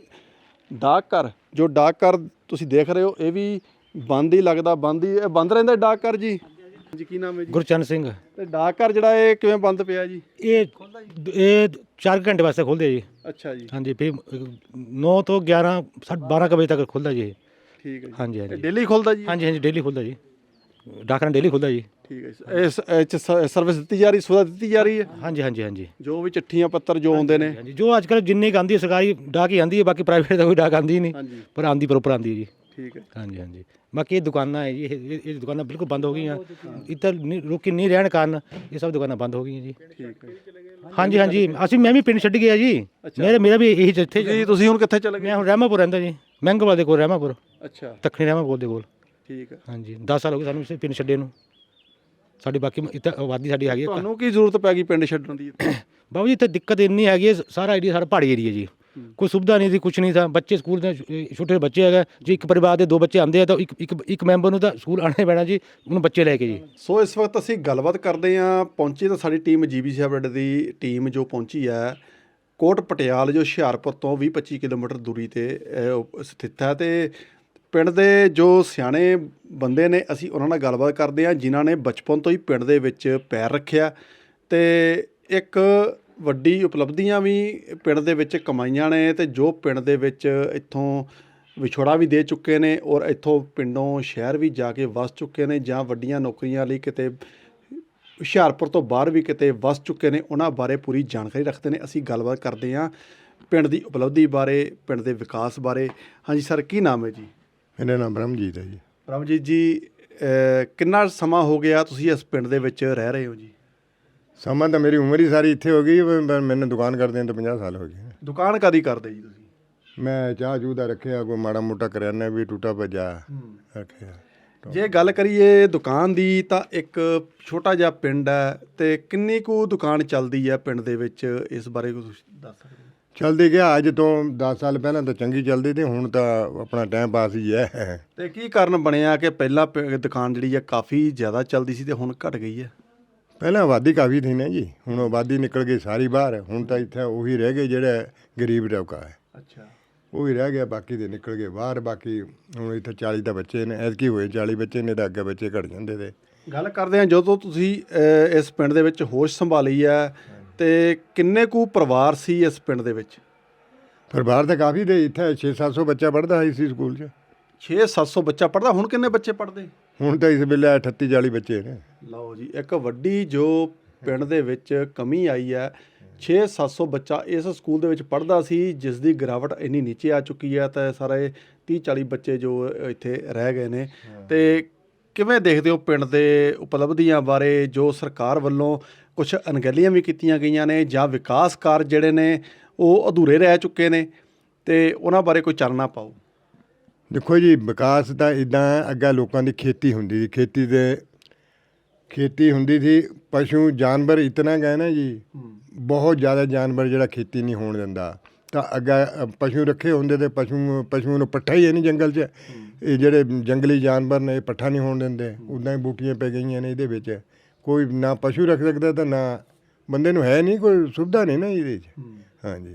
[SPEAKER 2] ਡਾਕ ਘਰ, ਜੋ ਡਾਕ ਘਰ ਤੁਸੀਂ ਦੇਖ ਰਹੇ ਹੋ, ਇਹ ਵੀ ਬੰਦ ਹੀ ਲੱਗਦਾ, ਬੰਦ ਹੀ ਇਹ ਬੰਦ ਰਹਿੰਦਾ ਡਾਕ ਘਰ ਜੀ। ਜੀ, ਕੀ ਨਾਮ ਹੈ ਜੀ?
[SPEAKER 6] ਗੁਰਚਰਨ ਸਿੰਘ।
[SPEAKER 2] ਤੇ ਡਾਕ ਘਰ ਜਿਹੜਾ ਇਹ ਕਿਵੇਂ ਬੰਦ ਪਿਆ ਜੀ?
[SPEAKER 6] ਇਹ ਇਹ ਚਾਰ ਘੰਟੇ ਵਾਸਤੇ ਖੁੱਲ੍ਹਦੇ ਜੀ।
[SPEAKER 2] ਅੱਛਾ ਜੀ।
[SPEAKER 6] ਹਾਂਜੀ, ਫਿਰ ਨੌ ਤੋਂ ਗਿਆਰਾਂ ਸਾਢੇ ਬਾਰਾਂ ਕੁ ਵਜੇ ਤੱਕ ਖੁੱਲ੍ਹਦਾ ਜੀ ਇਹ।
[SPEAKER 2] ਠੀਕ ਹੈ ਜੀ।
[SPEAKER 6] ਹਾਂਜੀ ਹਾਂਜੀ
[SPEAKER 2] ਡੇਲੀ ਖੁੱਲਦਾ ਜੀ?
[SPEAKER 6] ਹਾਂਜੀ ਹਾਂਜੀ ਡੇਲੀ ਖੁੱਲ੍ਹਦਾ ਜੀ, ਡਾਕਰਾਂ ਡੇਲੀ ਖੁੱਲ੍ਹਦਾ ਜੀ।
[SPEAKER 2] ਠੀਕ ਹੈ ਜੀ। ਇਸ ਇਹ 'ਚ ਸ- ਸਰਵਿਸ ਦਿੱਤੀ ਜਾ ਰਹੀ, ਸੁਵਿਧਾ ਦਿੱਤੀ ਜਾ ਰਹੀ ਹੈ?
[SPEAKER 6] ਹਾਂਜੀ ਹਾਂਜੀ ਹਾਂਜੀ
[SPEAKER 2] ਜੋ ਵੀ ਚਿੱਠੀਆਂ ਪੱਤਰ ਜੋ ਆਉਂਦੇ ਨੇ?
[SPEAKER 6] ਹਾਂਜੀ, ਜੋ ਅੱਜ ਕੱਲ੍ਹ ਜਿੰਨੀ ਕੁ ਆਉਂਦੀ ਹੈ ਸਰਕਾਰੀ ਡਾਕ ਹੀ ਆਉਂਦੀ ਹੈ, ਬਾਕੀ ਪ੍ਰਾਈਵੇਟ ਦਾ ਕੋਈ ਡਾਕ ਆਉਂਦੀ ਨਹੀਂ,
[SPEAKER 2] ਹਾਂਜੀ,
[SPEAKER 6] ਪਰ ਆਉਂਦੀ ਪ੍ਰੋਪਰ ਆਉਂਦੀ ਹੈ ਜੀ।
[SPEAKER 2] ਠੀਕ ਹੈ।
[SPEAKER 6] ਹਾਂਜੀ ਹਾਂਜੀ, ਬਾਕੀ ਇਹ ਦੁਕਾਨਾਂ ਹੈ ਜੀ, ਇਹ ਇਹ- ਇਹ ਦੁਕਾਨਾਂ ਬਿਲਕੁਲ ਬੰਦ ਹੋ ਗਈਆਂ ਇੱਧਰ, ਨਹੀਂ ਲੋਕੀ ਨਹੀਂ ਰਹਿਣ ਕਾਰਨ ਇਹ ਸਭ ਦੁਕਾਨਾਂ ਬੰਦ ਹੋ ਗਈਆਂ ਜੀ।
[SPEAKER 2] ਠੀਕ ਹੈ।
[SPEAKER 6] ਹਾਂਜੀ ਹਾਂਜੀ, ਅਸੀਂ ਮੈਂ ਵੀ ਪਿੰਡ ਛੱਡ ਗਿਆ ਜੀ, ਮੇਰੇ ਮੇਰਾ ਵੀ ਇਹੀ ਜਿੱਥੇ
[SPEAKER 2] ਜੀ ਤੁਸੀਂ ਹੁਣ ਕਿੱਥੇ ਚਲੇ ਗਏ?
[SPEAKER 6] ਮੈਂ ਹੁਣ ਰਹਿਮਾਪੁਰ ਰਹਿੰਦਾ ਜੀ, ਮਹਿੰਗੋਵਾਲ ਦੇ ਕੋਲ ਰਹਿਮਾਪੁਰ,
[SPEAKER 2] ਅੱਛਾ,
[SPEAKER 6] ਦੱਖਣੀ ਰਹਿਮਾਪੁਰ ਦੇ ਕੋਲ।
[SPEAKER 2] ਠੀਕ ਹੈ।
[SPEAKER 6] ਹਾਂਜੀ, ਦਸ ਸਾਲ ਹੋ ਗਏ ਸਾਨੂੰ ਇਸੇ ਪਿੰਡ ਛੱਡੇ ਨੂੰ। ਸਾਡੇ ਬਾਕੀ ਇੱਥੇ ਆਬਾਦੀ ਸਾਡੀ ਹੈਗੀ ਹੈ।
[SPEAKER 2] ਤੁਹਾਨੂੰ ਕੀ ਜ਼ਰੂਰਤ ਪੈ ਗਈ ਪਿੰਡ ਛੱਡਣ ਦੀ?
[SPEAKER 6] ਬਾਬੂ ਜੀ ਇੱਥੇ ਦਿੱਕਤ ਇੰਨੀ ਹੈਗੀ ਹੈ, ਸਾਰਾ ਏਰੀਆ ਸਾਰਾ ਪਹਾੜੀ ਏਰੀਆ ਜੀ, ਕੋਈ ਸੁਵਿਧਾ ਨਹੀਂ ਸੀ, ਕੁਛ ਨਹੀਂ था। ਬੱਚੇ ਸਕੂਲ ਦੇ ਛੋਟੇ ਛੋਟੇ ਬੱਚੇ ਹੈਗੇ ਜੀ, ਇੱਕ ਪਰਿਵਾਰ ਦੇ ਦੋ ਬੱਚੇ ਆਉਂਦੇ ਆ ਤਾਂ ਇੱਕ ਇੱਕ ਇੱਕ ਮੈਂਬਰ ਨੂੰ ਤਾਂ ਸਕੂਲ ਆਉਣਾ ਪੈਣਾ ਜੀ, ਉਹਨੂੰ ਬੱਚੇ ਲੈ ਕੇ ਜੀ।
[SPEAKER 2] ਸੋ ਇਸ ਵਕਤ ਅਸੀਂ ਗੱਲਬਾਤ ਕਰਦੇ ਹਾਂ। ਪਹੁੰਚੀ ਤਾਂ ਸਾਡੀ ਟੀਮ ਜੀਬੀਸੀ ਅਪਡੇਟ ਦੀ ਟੀਮ ਜੋ ਪਹੁੰਚੀ ਹੈ ਕੋਟ ਪਟਿਆਲ, ਜੋ ਹੁਸ਼ਿਆਰਪੁਰ ਤੋਂ ਵੀਹ ਪੱਚੀ ਕਿਲੋਮੀਟਰ ਦੂਰੀ ਤੇ ਅਹ, ਸਥਿਤ ਹੈ। ਤੇ ਪਿੰਡ ਦੇ ਜੋ ਸਿਆਣੇ ਬੰਦੇ ਨੇ, ਅਸੀਂ ਉਹਨਾਂ ਨਾਲ ਗੱਲਬਾਤ ਕਰਦੇ ਹਾਂ ਜਿਨ੍ਹਾਂ ਨੇ ਬਚਪਨ ਤੋਂ ਹੀ ਪਿੰਡ ਦੇ ਵਿੱਚ ਪੈਰ ਰੱਖਿਆ ਤੇ ਇੱਕ ਵੱਡੀ ਉਪਲਬਧੀਆਂ ਵੀ ਪਿੰਡ ਦੇ ਵਿੱਚ ਕਮਾਈਆਂ ਨੇ, ਤੇ ਜੋ ਪਿੰਡ ਦੇ ਵਿੱਚ ਇੱਥੋਂ ਵਿਛੋੜਾ ਵੀ ਦੇ ਚੁੱਕੇ ਨੇ ਔਰ ਇੱਥੋਂ ਪਿੰਡੋਂ ਸ਼ਹਿਰ ਵੀ ਜਾ ਕੇ ਵਸ ਚੁੱਕੇ ਨੇ, ਜਾਂ ਵੱਡੀਆਂ ਨੌਕਰੀਆਂ ਲਈ ਕਿਤੇ ਹੁਸ਼ਿਆਰਪੁਰ ਤੋਂ ਬਾਹਰ ਵੀ ਕਿਤੇ ਵਸ ਚੁੱਕੇ ਨੇ। ਉਹਨਾਂ ਬਾਰੇ ਪੂਰੀ ਜਾਣਕਾਰੀ ਰੱਖਦੇ ਨੇ। ਅਸੀਂ ਗੱਲਬਾਤ ਕਰਦੇ ਹਾਂ ਪਿੰਡ ਦੀ ਉਪਲਬਧੀ ਬਾਰੇ, ਪਿੰਡ ਦੇ ਵਿਕਾਸ ਬਾਰੇ। ਹਾਂਜੀ ਸਰ, ਕੀ ਨਾਮ ਹੈ ਜੀ?
[SPEAKER 11] ਮੇਰਾ ਨਾਮ ਬ੍ਰਹਮਜੀਤ ਹੈ ਜੀ।
[SPEAKER 2] ਬ੍ਰਹਮਜੀਤ ਜੀ, ਅਹ, ਕਿੰਨਾ ਸਮਾਂ ਹੋ ਗਿਆ ਤੁਸੀਂ ਇਸ ਪਿੰਡ ਦੇ ਵਿੱਚ ਰਹਿ ਰਹੇ ਹੋ ਜੀ?
[SPEAKER 11] ਸਮਾਂ ਤਾਂ ਮੇਰੀ ਉਮਰ ਹੀ ਸਾਰੀ ਇੱਥੇ ਹੋ ਗਈ, ਪਰ ਮੈਨੂੰ ਦੁਕਾਨ ਕਰਦੇ ਤਾਂ ਪੰਜਾਹ ਸਾਲ ਹੋ ਗਏ।
[SPEAKER 2] ਦੁਕਾਨ ਕਾਦੀ ਕਰਦੇ ਜੀ ਤੁਸੀਂ?
[SPEAKER 11] ਮੈਂ ਚਾਹ ਚੂਹ ਦਾ ਰੱਖਿਆ, ਕੋਈ ਮਾੜਾ ਮੋਟਾ ਕਰਿਆਨਾ ਵੀ ਟੂਟਾ ਭੱਜਾ ਰੱਖਿਆ।
[SPEAKER 2] ਜੇ ਗੱਲ ਕਰੀਏ ਦੁਕਾਨ ਦੀ ਤਾਂ ਇੱਕ ਛੋਟਾ ਜਿਹਾ ਪਿੰਡ ਹੈ, ਤੇ ਕਿੰਨੀ ਕੁ ਦੁਕਾਨ ਚੱਲਦੀ ਹੈ ਪਿੰਡ ਦੇ ਵਿੱਚ, ਇਸ ਬਾਰੇ ਕੁਝ ਦੱਸ ਸਕਦੇ ਹੋ?
[SPEAKER 11] ਚੱਲਦੀ ਗਿਆ ਅੱਜ ਤੋਂ ਦਸ ਸਾਲ ਪਹਿਲਾਂ ਤਾਂ ਚੰਗੀ ਚੱਲਦੀ ਤੇ ਹੁਣ ਤਾਂ ਆਪਣਾ ਟਾਈਮ ਪਾਸ ਹੀ ਹੈ।
[SPEAKER 2] ਤੇ ਕੀ ਕਾਰਨ ਬਣਿਆ ਕਿ ਪਹਿਲਾਂ ਪ- ਦੁਕਾਨ ਜਿਹੜੀ ਹੈ ਕਾਫੀ ਜ਼ਿਆਦਾ ਚੱਲਦੀ ਸੀ ਤੇ ਹੁਣ ਘਟ ਗਈ ਹੈ?
[SPEAKER 11] ਪਹਿਲਾਂ ਆਬਾਦੀ ਕਾਫੀ ਸੀ ਨਾ ਜੀ, ਹੁਣ ਆਬਾਦੀ ਨਿਕਲ ਗਈ ਸਾਰੀ ਬਾਹਰ, ਹੁਣ ਤਾਂ ਇੱਥੇ ਉਹੀ ਰਹਿ ਗਏ ਜਿਹੜਾ ਗਰੀਬ ਤਬਕਾ ਹੈ।
[SPEAKER 2] ਅੱਛਾ,
[SPEAKER 11] ਉਹ ਹੀ ਰਹਿ ਗਿਆ, ਬਾਕੀ ਦੇ ਨਿਕਲ ਗਏ ਬਾਹਰ। ਬਾਕੀ ਹੁਣ ਇੱਥੇ ਚਾਲੀ ਤਾਂ ਬੱਚੇ ਨੇ, ਐਤਕੀ ਹੋਏ ਚਾਲੀ ਬੱਚੇ ਨੇ, ਤਾਂ ਅੱਗੇ ਬੱਚੇ ਘਟ ਜਾਂਦੇ ਤੇ।
[SPEAKER 2] ਗੱਲ ਕਰਦੇ ਹਾਂ ਜਦੋਂ ਤੁਸੀਂ ਅਹ, ਇਸ ਪਿੰਡ ਦੇ ਵਿੱਚ ਹੋਸ਼ ਸੰਭਾਲੀ ਹੈ, ਤੇ ਕਿੰਨੇ ਕੁ ਪਰਿਵਾਰ ਸੀ ਇਸ ਪਿੰਡ ਦੇ ਵਿੱਚ?
[SPEAKER 11] ਪਰਿਵਾਰ ਤਾਂ ਕਾਫੀ ਦੇ, ਇੱਥੇ ਛੇ ਸੱਤ ਸੌ ਬੱਚਾ ਪੜ੍ਹਦਾ ਸੀ ਸਕੂਲ 'ਚ।
[SPEAKER 2] ਛੇ ਸੱਤ ਸੌ ਬੱਚਾ ਪੜ੍ਹਦਾ। ਹੁਣ ਕਿੰਨੇ ਬੱਚੇ ਪੜ੍ਹਦੇ?
[SPEAKER 11] ਹੁਣ ਤਾਂ ਇਸ ਵੇਲੇ ਅਠੱਤੀ ਚਾਲੀ ਬੱਚੇ ਨੇ।
[SPEAKER 2] ਲਓ ਜੀ, ਇੱਕ ਵੱਡੀ ਜੋ ਪਿੰਡ ਦੇ ਵਿੱਚ ਕਮੀ ਆਈ ਹੈ। ਛੇ ਸੱਤ ਸੌ ਬੱਚਾ ਇਸ ਸਕੂਲ ਦੇ ਵਿੱਚ ਪੜ੍ਹਦਾ ਸੀ, ਜਿਸ ਦੀ ਗਿਰਾਵਟ ਇੰਨੀ ਨੀਚੇ ਆ ਚੁੱਕੀ ਹੈ, ਤਾਂ ਸਾਰੇ ਤੀਹ ਚਾਲੀ ਬੱਚੇ ਜੋ ਇੱਥੇ ਰਹਿ ਗਏ ਨੇ। ਤੇ ਕਿਵੇਂ ਦੇਖਦੇ ਹੋ ਪਿੰਡ ਦੇ ਉਪਲਬਧੀਆਂ ਬਾਰੇ, ਜੋ ਸਰਕਾਰ ਵੱਲੋਂ ਕੁਝ ਅਣਗਹਿਲੀਆਂ ਵੀ ਕੀਤੀਆਂ ਗਈਆਂ ਨੇ, ਜਾਂ ਵਿਕਾਸ ਕਾਰਜ ਜਿਹੜੇ ਨੇ ਉਹ ਅਧੂਰੇ ਰਹਿ ਚੁੱਕੇ ਨੇ, ਤੇ ਉਹਨਾਂ ਬਾਰੇ ਕੋਈ ਚਾਨਣਾ ਪਾਓ?
[SPEAKER 11] ਦੇਖੋ ਜੀ, ਵਿਕਾਸ ਤਾਂ ਇੱਦਾਂ ਅੱਗੇ ਲੋਕਾਂ ਦੀ ਖੇਤੀ ਹੁੰਦੀ ਸੀ, ਖੇਤੀ ਦੇ ਖੇਤੀ ਹੁੰਦੀ ਸੀ, ਪਸ਼ੂ ਜਾਨਵਰ ਇਤਨਾ ਗਏ ਨਾ ਜੀ, ਬਹੁਤ ਜ਼ਿਆਦਾ ਜਾਨਵਰ ਜਿਹੜਾ ਖੇਤੀ ਨਹੀਂ ਹੋਣ ਦਿੰਦਾ। ਤਾਂ ਅੱਗੇ ਪਸ਼ੂ ਰੱਖੇ ਹੁੰਦੇ ਤੇ ਪਸ਼ੂ ਪਸ਼ੂ ਨੂੰ ਪੱਠਾ ਹੀ ਹੈ ਨਹੀਂ ਜੰਗਲ 'ਚ, ਇਹ ਜਿਹੜੇ ਜੰਗਲੀ ਜਾਨਵਰ ਨੇ ਇਹ ਪੱਠਾ ਨਹੀਂ ਹੋਣ ਦਿੰਦੇ, ਉੱਦਾਂ ਹੀ ਬੂਟੀਆਂ ਪੈ ਗਈਆਂ ਨੇ ਇਹਦੇ ਵਿੱਚ। ਕੋਈ ਨਾ ਪਸ਼ੂ ਰੱਖ ਸਕਦਾ ਤਾਂ ਨਾ ਬੰਦੇ ਨੂੰ, ਹੈ ਨਹੀਂ ਕੋਈ ਸੁਵਿਧਾ ਨਹੀਂ ਨਾ ਇਹਦੇ 'ਚ। ਹਾਂਜੀ,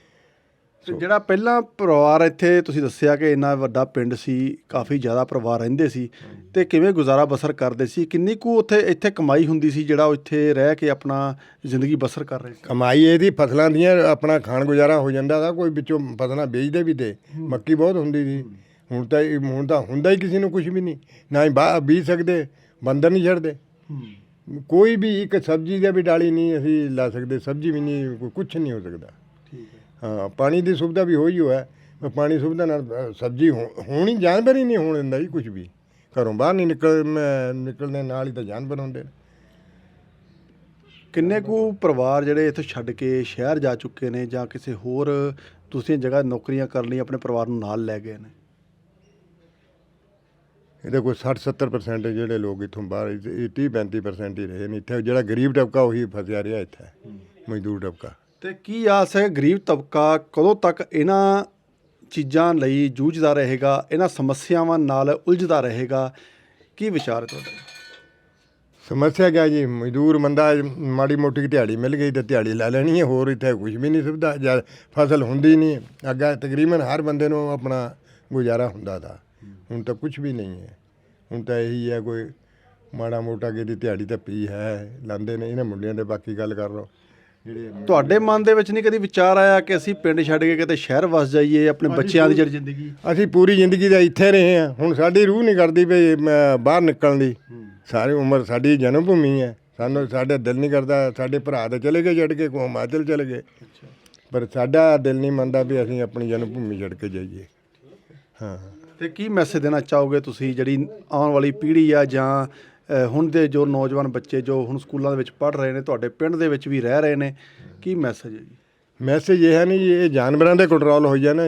[SPEAKER 2] ਤੇ ਜਿਹੜਾ ਪਹਿਲਾਂ ਪਰਿਵਾਰ ਇੱਥੇ ਤੁਸੀਂ ਦੱਸਿਆ ਕਿ ਇੰਨਾ ਵੱਡਾ ਪਿੰਡ ਸੀ, ਕਾਫੀ ਜ਼ਿਆਦਾ ਪਰਿਵਾਰ ਰਹਿੰਦੇ ਸੀ, ਤੇ ਕਿਵੇਂ ਗੁਜ਼ਾਰਾ ਬਸਰ ਕਰਦੇ ਸੀ? ਕਿੰਨੀ ਕੁ ਉੱਥੇ ਇੱਥੇ ਕਮਾਈ ਹੁੰਦੀ ਸੀ ਜਿਹੜਾ ਉਹ ਇੱਥੇ ਰਹਿ ਕੇ ਆਪਣਾ ਜ਼ਿੰਦਗੀ ਬਸਰ ਕਰ ਰਹੇ ਸੀ?
[SPEAKER 11] ਕਮਾਈ ਇਹਦੀ ਫਸਲਾਂ ਦੀਆਂ, ਆਪਣਾ ਖਾਣ ਗੁਜ਼ਾਰਾ ਹੋ ਜਾਂਦਾ था। ਕੋਈ ਵਿੱਚੋਂ ਫਸਲਾਂ ਵੇਚਦੇ ਵੀ ਤੇ, ਮੱਕੀ ਬਹੁਤ ਹੁੰਦੀ ਸੀ। ਹੁਣ ਤਾਂ ਇਹ- ਹੁਣ ਤਾਂ ਹੁੰਦਾ ਹੀ ਕਿਸੇ ਨੂੰ ਕੁਝ ਵੀ ਨਹੀਂ, ਨਾ ਹੀ ਬਾਹਰ ਬੀਜ ਸਕਦੇ, ਬੰਦਰ ਨਹੀਂ ਛੱਡਦੇ। ਕੋਈ ਵੀ ਇੱਕ ਸਬਜ਼ੀ ਦਾ ਵੀ ਡਾਲੀ ਨਹੀਂ ਅਸੀਂ ਲਾ ਸਕਦੇ, ਸਬਜ਼ੀ ਵੀ ਨਹੀਂ, ਕੋਈ ਕੁਛ ਨਹੀਂ ਹੋ ਸਕਦਾ। ਹਾਂ, ਪਾਣੀ ਦੀ ਸੁਵਿਧਾ ਵੀ ਹੋਈ ਹੋਇਆ, ਪਰ ਪਾਣੀ ਸੁਵਿਧਾ ਨਾਲ ਅ, ਸਬਜ਼ੀ ਹੋ- ਹੋਣੀ, ਜਾਨਵਰ ਹੀ ਨਹੀਂ ਹੋਣ ਦਿੰਦਾ ਜੀ ਕੁਝ ਵੀ। ਘਰੋਂ ਬਾਹਰ ਨਹੀਂ ਨਿਕਲ ਮੈਂ ਨਿਕਲਣੇ ਨਾਲ ਹੀ ਤਾਂ ਜਾਨਵਰ ਹੁੰਦੇ ਨੇ।
[SPEAKER 2] ਕਿੰਨੇ ਕੁ ਪਰਿਵਾਰ ਜਿਹੜੇ ਇੱਥੋਂ ਛੱਡ ਕੇ ਸ਼ਹਿਰ ਜਾ ਚੁੱਕੇ ਨੇ, ਜਾਂ ਕਿਸੇ ਹੋਰ ਦੂਸਰੀ ਜਗ੍ਹਾ ਨੌਕਰੀਆਂ ਕਰਨ ਲਈ ਆਪਣੇ ਪਰਿਵਾਰ ਨੂੰ ਨਾਲ ਲੈ ਗਏ ਨੇ?
[SPEAKER 11] ਇਹਦੇ ਕੋਈ ਸੱਠ ਸੱਤਰ ਪਰਸੈਂਟ ਜਿਹੜੇ ਲੋਕ ਇੱਥੋਂ ਬਾਹਰ, ਇਹ ਤੀਹ ਪੈਂਤੀ ਪਰਸੈਂਟ ਹੀ ਰਹੇ ਨੇ ਇੱਥੇ। ਜਿਹੜਾ ਗਰੀਬ ਤਬਕਾ ਉਹੀ ਫਸਿਆ ਰਿਹਾ ਇੱਥੇ, ਮਜ਼ਦੂਰ ਤਬਕਾ।
[SPEAKER 2] ਤੇ ਕੀ ਆਸ ਹੈ ਗਰੀਬ ਤਬਕਾ ਕਦੋਂ ਤੱਕ ਇਹਨਾਂ ਚੀਜ਼ਾਂ ਲਈ ਜੂਝਦਾ ਰਹੇਗਾ, ਇਹਨਾਂ ਸਮੱਸਿਆਵਾਂ ਨਾਲ ਉਲਝਦਾ ਰਹੇਗਾ? ਕੀ ਵਿਚਾਰ ਹੈ ਤੁਹਾਡਾ?
[SPEAKER 11] ਸਮੱਸਿਆ ਕਿਆ ਜੀ, ਮਜ਼ਦੂਰ ਬੰਦਾ ਮਾੜੀ ਮੋਟੀ ਦਿਹਾੜੀ ਮਿਲ ਗਈ ਤਾਂ ਦਿਹਾੜੀ ਲੈ ਲੈਣੀ ਹੈ, ਹੋਰ ਇੱਥੇ ਕੁਝ ਵੀ ਨਹੀਂ ਸੁਵਿਧਾ। ਜਾਂ ਫਸਲ ਹੁੰਦੀ ਨਹੀਂ, ਅੱਗੇ ਤਕਰੀਬਨ ਹਰ ਬੰਦੇ ਨੂੰ ਆਪਣਾ ਗੁਜ਼ਾਰਾ ਹੁੰਦਾ ਤਾ, ਹੁਣ ਤਾਂ ਕੁਝ ਵੀ ਨਹੀਂ ਹੈ। ਹੁਣ ਤਾਂ ਇਹੀ ਹੈ, ਕੋਈ ਮਾੜਾ ਮੋਟਾ ਕਿ ਦੀ ਦਿਹਾੜੀ ਤਾਂ ਪੀ ਹੈ ਲਾਉਂਦੇ ਨੇ ਇਹਨਾਂ ਮੁੰਡਿਆਂ ਦੇ। ਬਾਕੀ ਗੱਲ ਕਰ ਲਓ ਜਿਹੜੇ
[SPEAKER 2] ਤੁਹਾਡੇ ਮਨ ਦੇ ਵਿੱਚ ਨਹੀਂ ਕਦੀ ਵਿਚਾਰ ਆਇਆ ਕਿ ਅਸੀਂ ਪਿੰਡ ਛੱਡ ਕੇ ਕਿਤੇ ਸ਼ਹਿਰ ਵਸ ਜਾਈਏ, ਆਪਣੇ ਬੱਚਿਆਂ ਦੀ ਜਿਹੜੀ ਜ਼ਿੰਦਗੀ?
[SPEAKER 11] ਅਸੀਂ ਪੂਰੀ ਜ਼ਿੰਦਗੀ ਦਾ ਇੱਥੇ ਰਹੇ ਹਾਂ, ਹੁਣ ਸਾਡੀ ਰੂਹ ਨਹੀਂ ਕਰਦੀ ਵੀ ਮੈਂ ਬਾਹਰ ਨਿਕਲਣ ਦੀ। ਸਾਰੀ ਉਮਰ ਸਾਡੀ ਜਨਮ ਭੂਮੀ ਹੈ, ਸਾਨੂੰ ਸਾਡਾ ਦਿਲ ਨਹੀਂ ਕਰਦਾ। ਸਾਡੇ ਭਰਾ ਤਾਂ ਚਲੇ ਗਏ ਛੱਡ ਕੇ, ਕੋਈ ਹਿਮਾਚਲ ਚਲੇ ਗਏ, ਪਰ ਸਾਡਾ ਦਿਲ ਨਹੀਂ ਮੰਨਦਾ ਵੀ ਅਸੀਂ ਆਪਣੀ ਜਨਮ ਭੂਮੀ ਛੱਡ ਕੇ ਜਾਈਏ। ਹਾਂ,
[SPEAKER 2] ਤੇ ਕੀ ਮੈਸੇਜ ਦੇਣਾ ਚਾਹੋਗੇ ਤੁਸੀਂ ਜਿਹੜੀ ਆਉਣ ਵਾਲੀ ਪੀੜ੍ਹੀ ਆ, ਜਾਂ ਅ, ਹੁਣ ਦੇ ਜੋ ਨੌਜਵਾਨ ਬੱਚੇ ਜੋ ਹੁਣ ਸਕੂਲਾਂ ਦੇ ਵਿੱਚ ਪੜ੍ਹ ਰਹੇ ਨੇ, ਤੁਹਾਡੇ ਪਿੰਡ ਦੇ ਵਿੱਚ ਵੀ ਰਹਿ ਰਹੇ ਨੇ, ਕੀ ਮੈਸੇਜ ਹੈ ਜੀ?
[SPEAKER 11] ਮੈਸੇਜ ਇਹ ਹੈ ਨਹੀਂ ਜੀ, ਇਹ ਜਾਨਵਰਾਂ ਦੇ ਕੰਟਰੋਲ ਹੋ ਜਾਣਾ ਜੀ।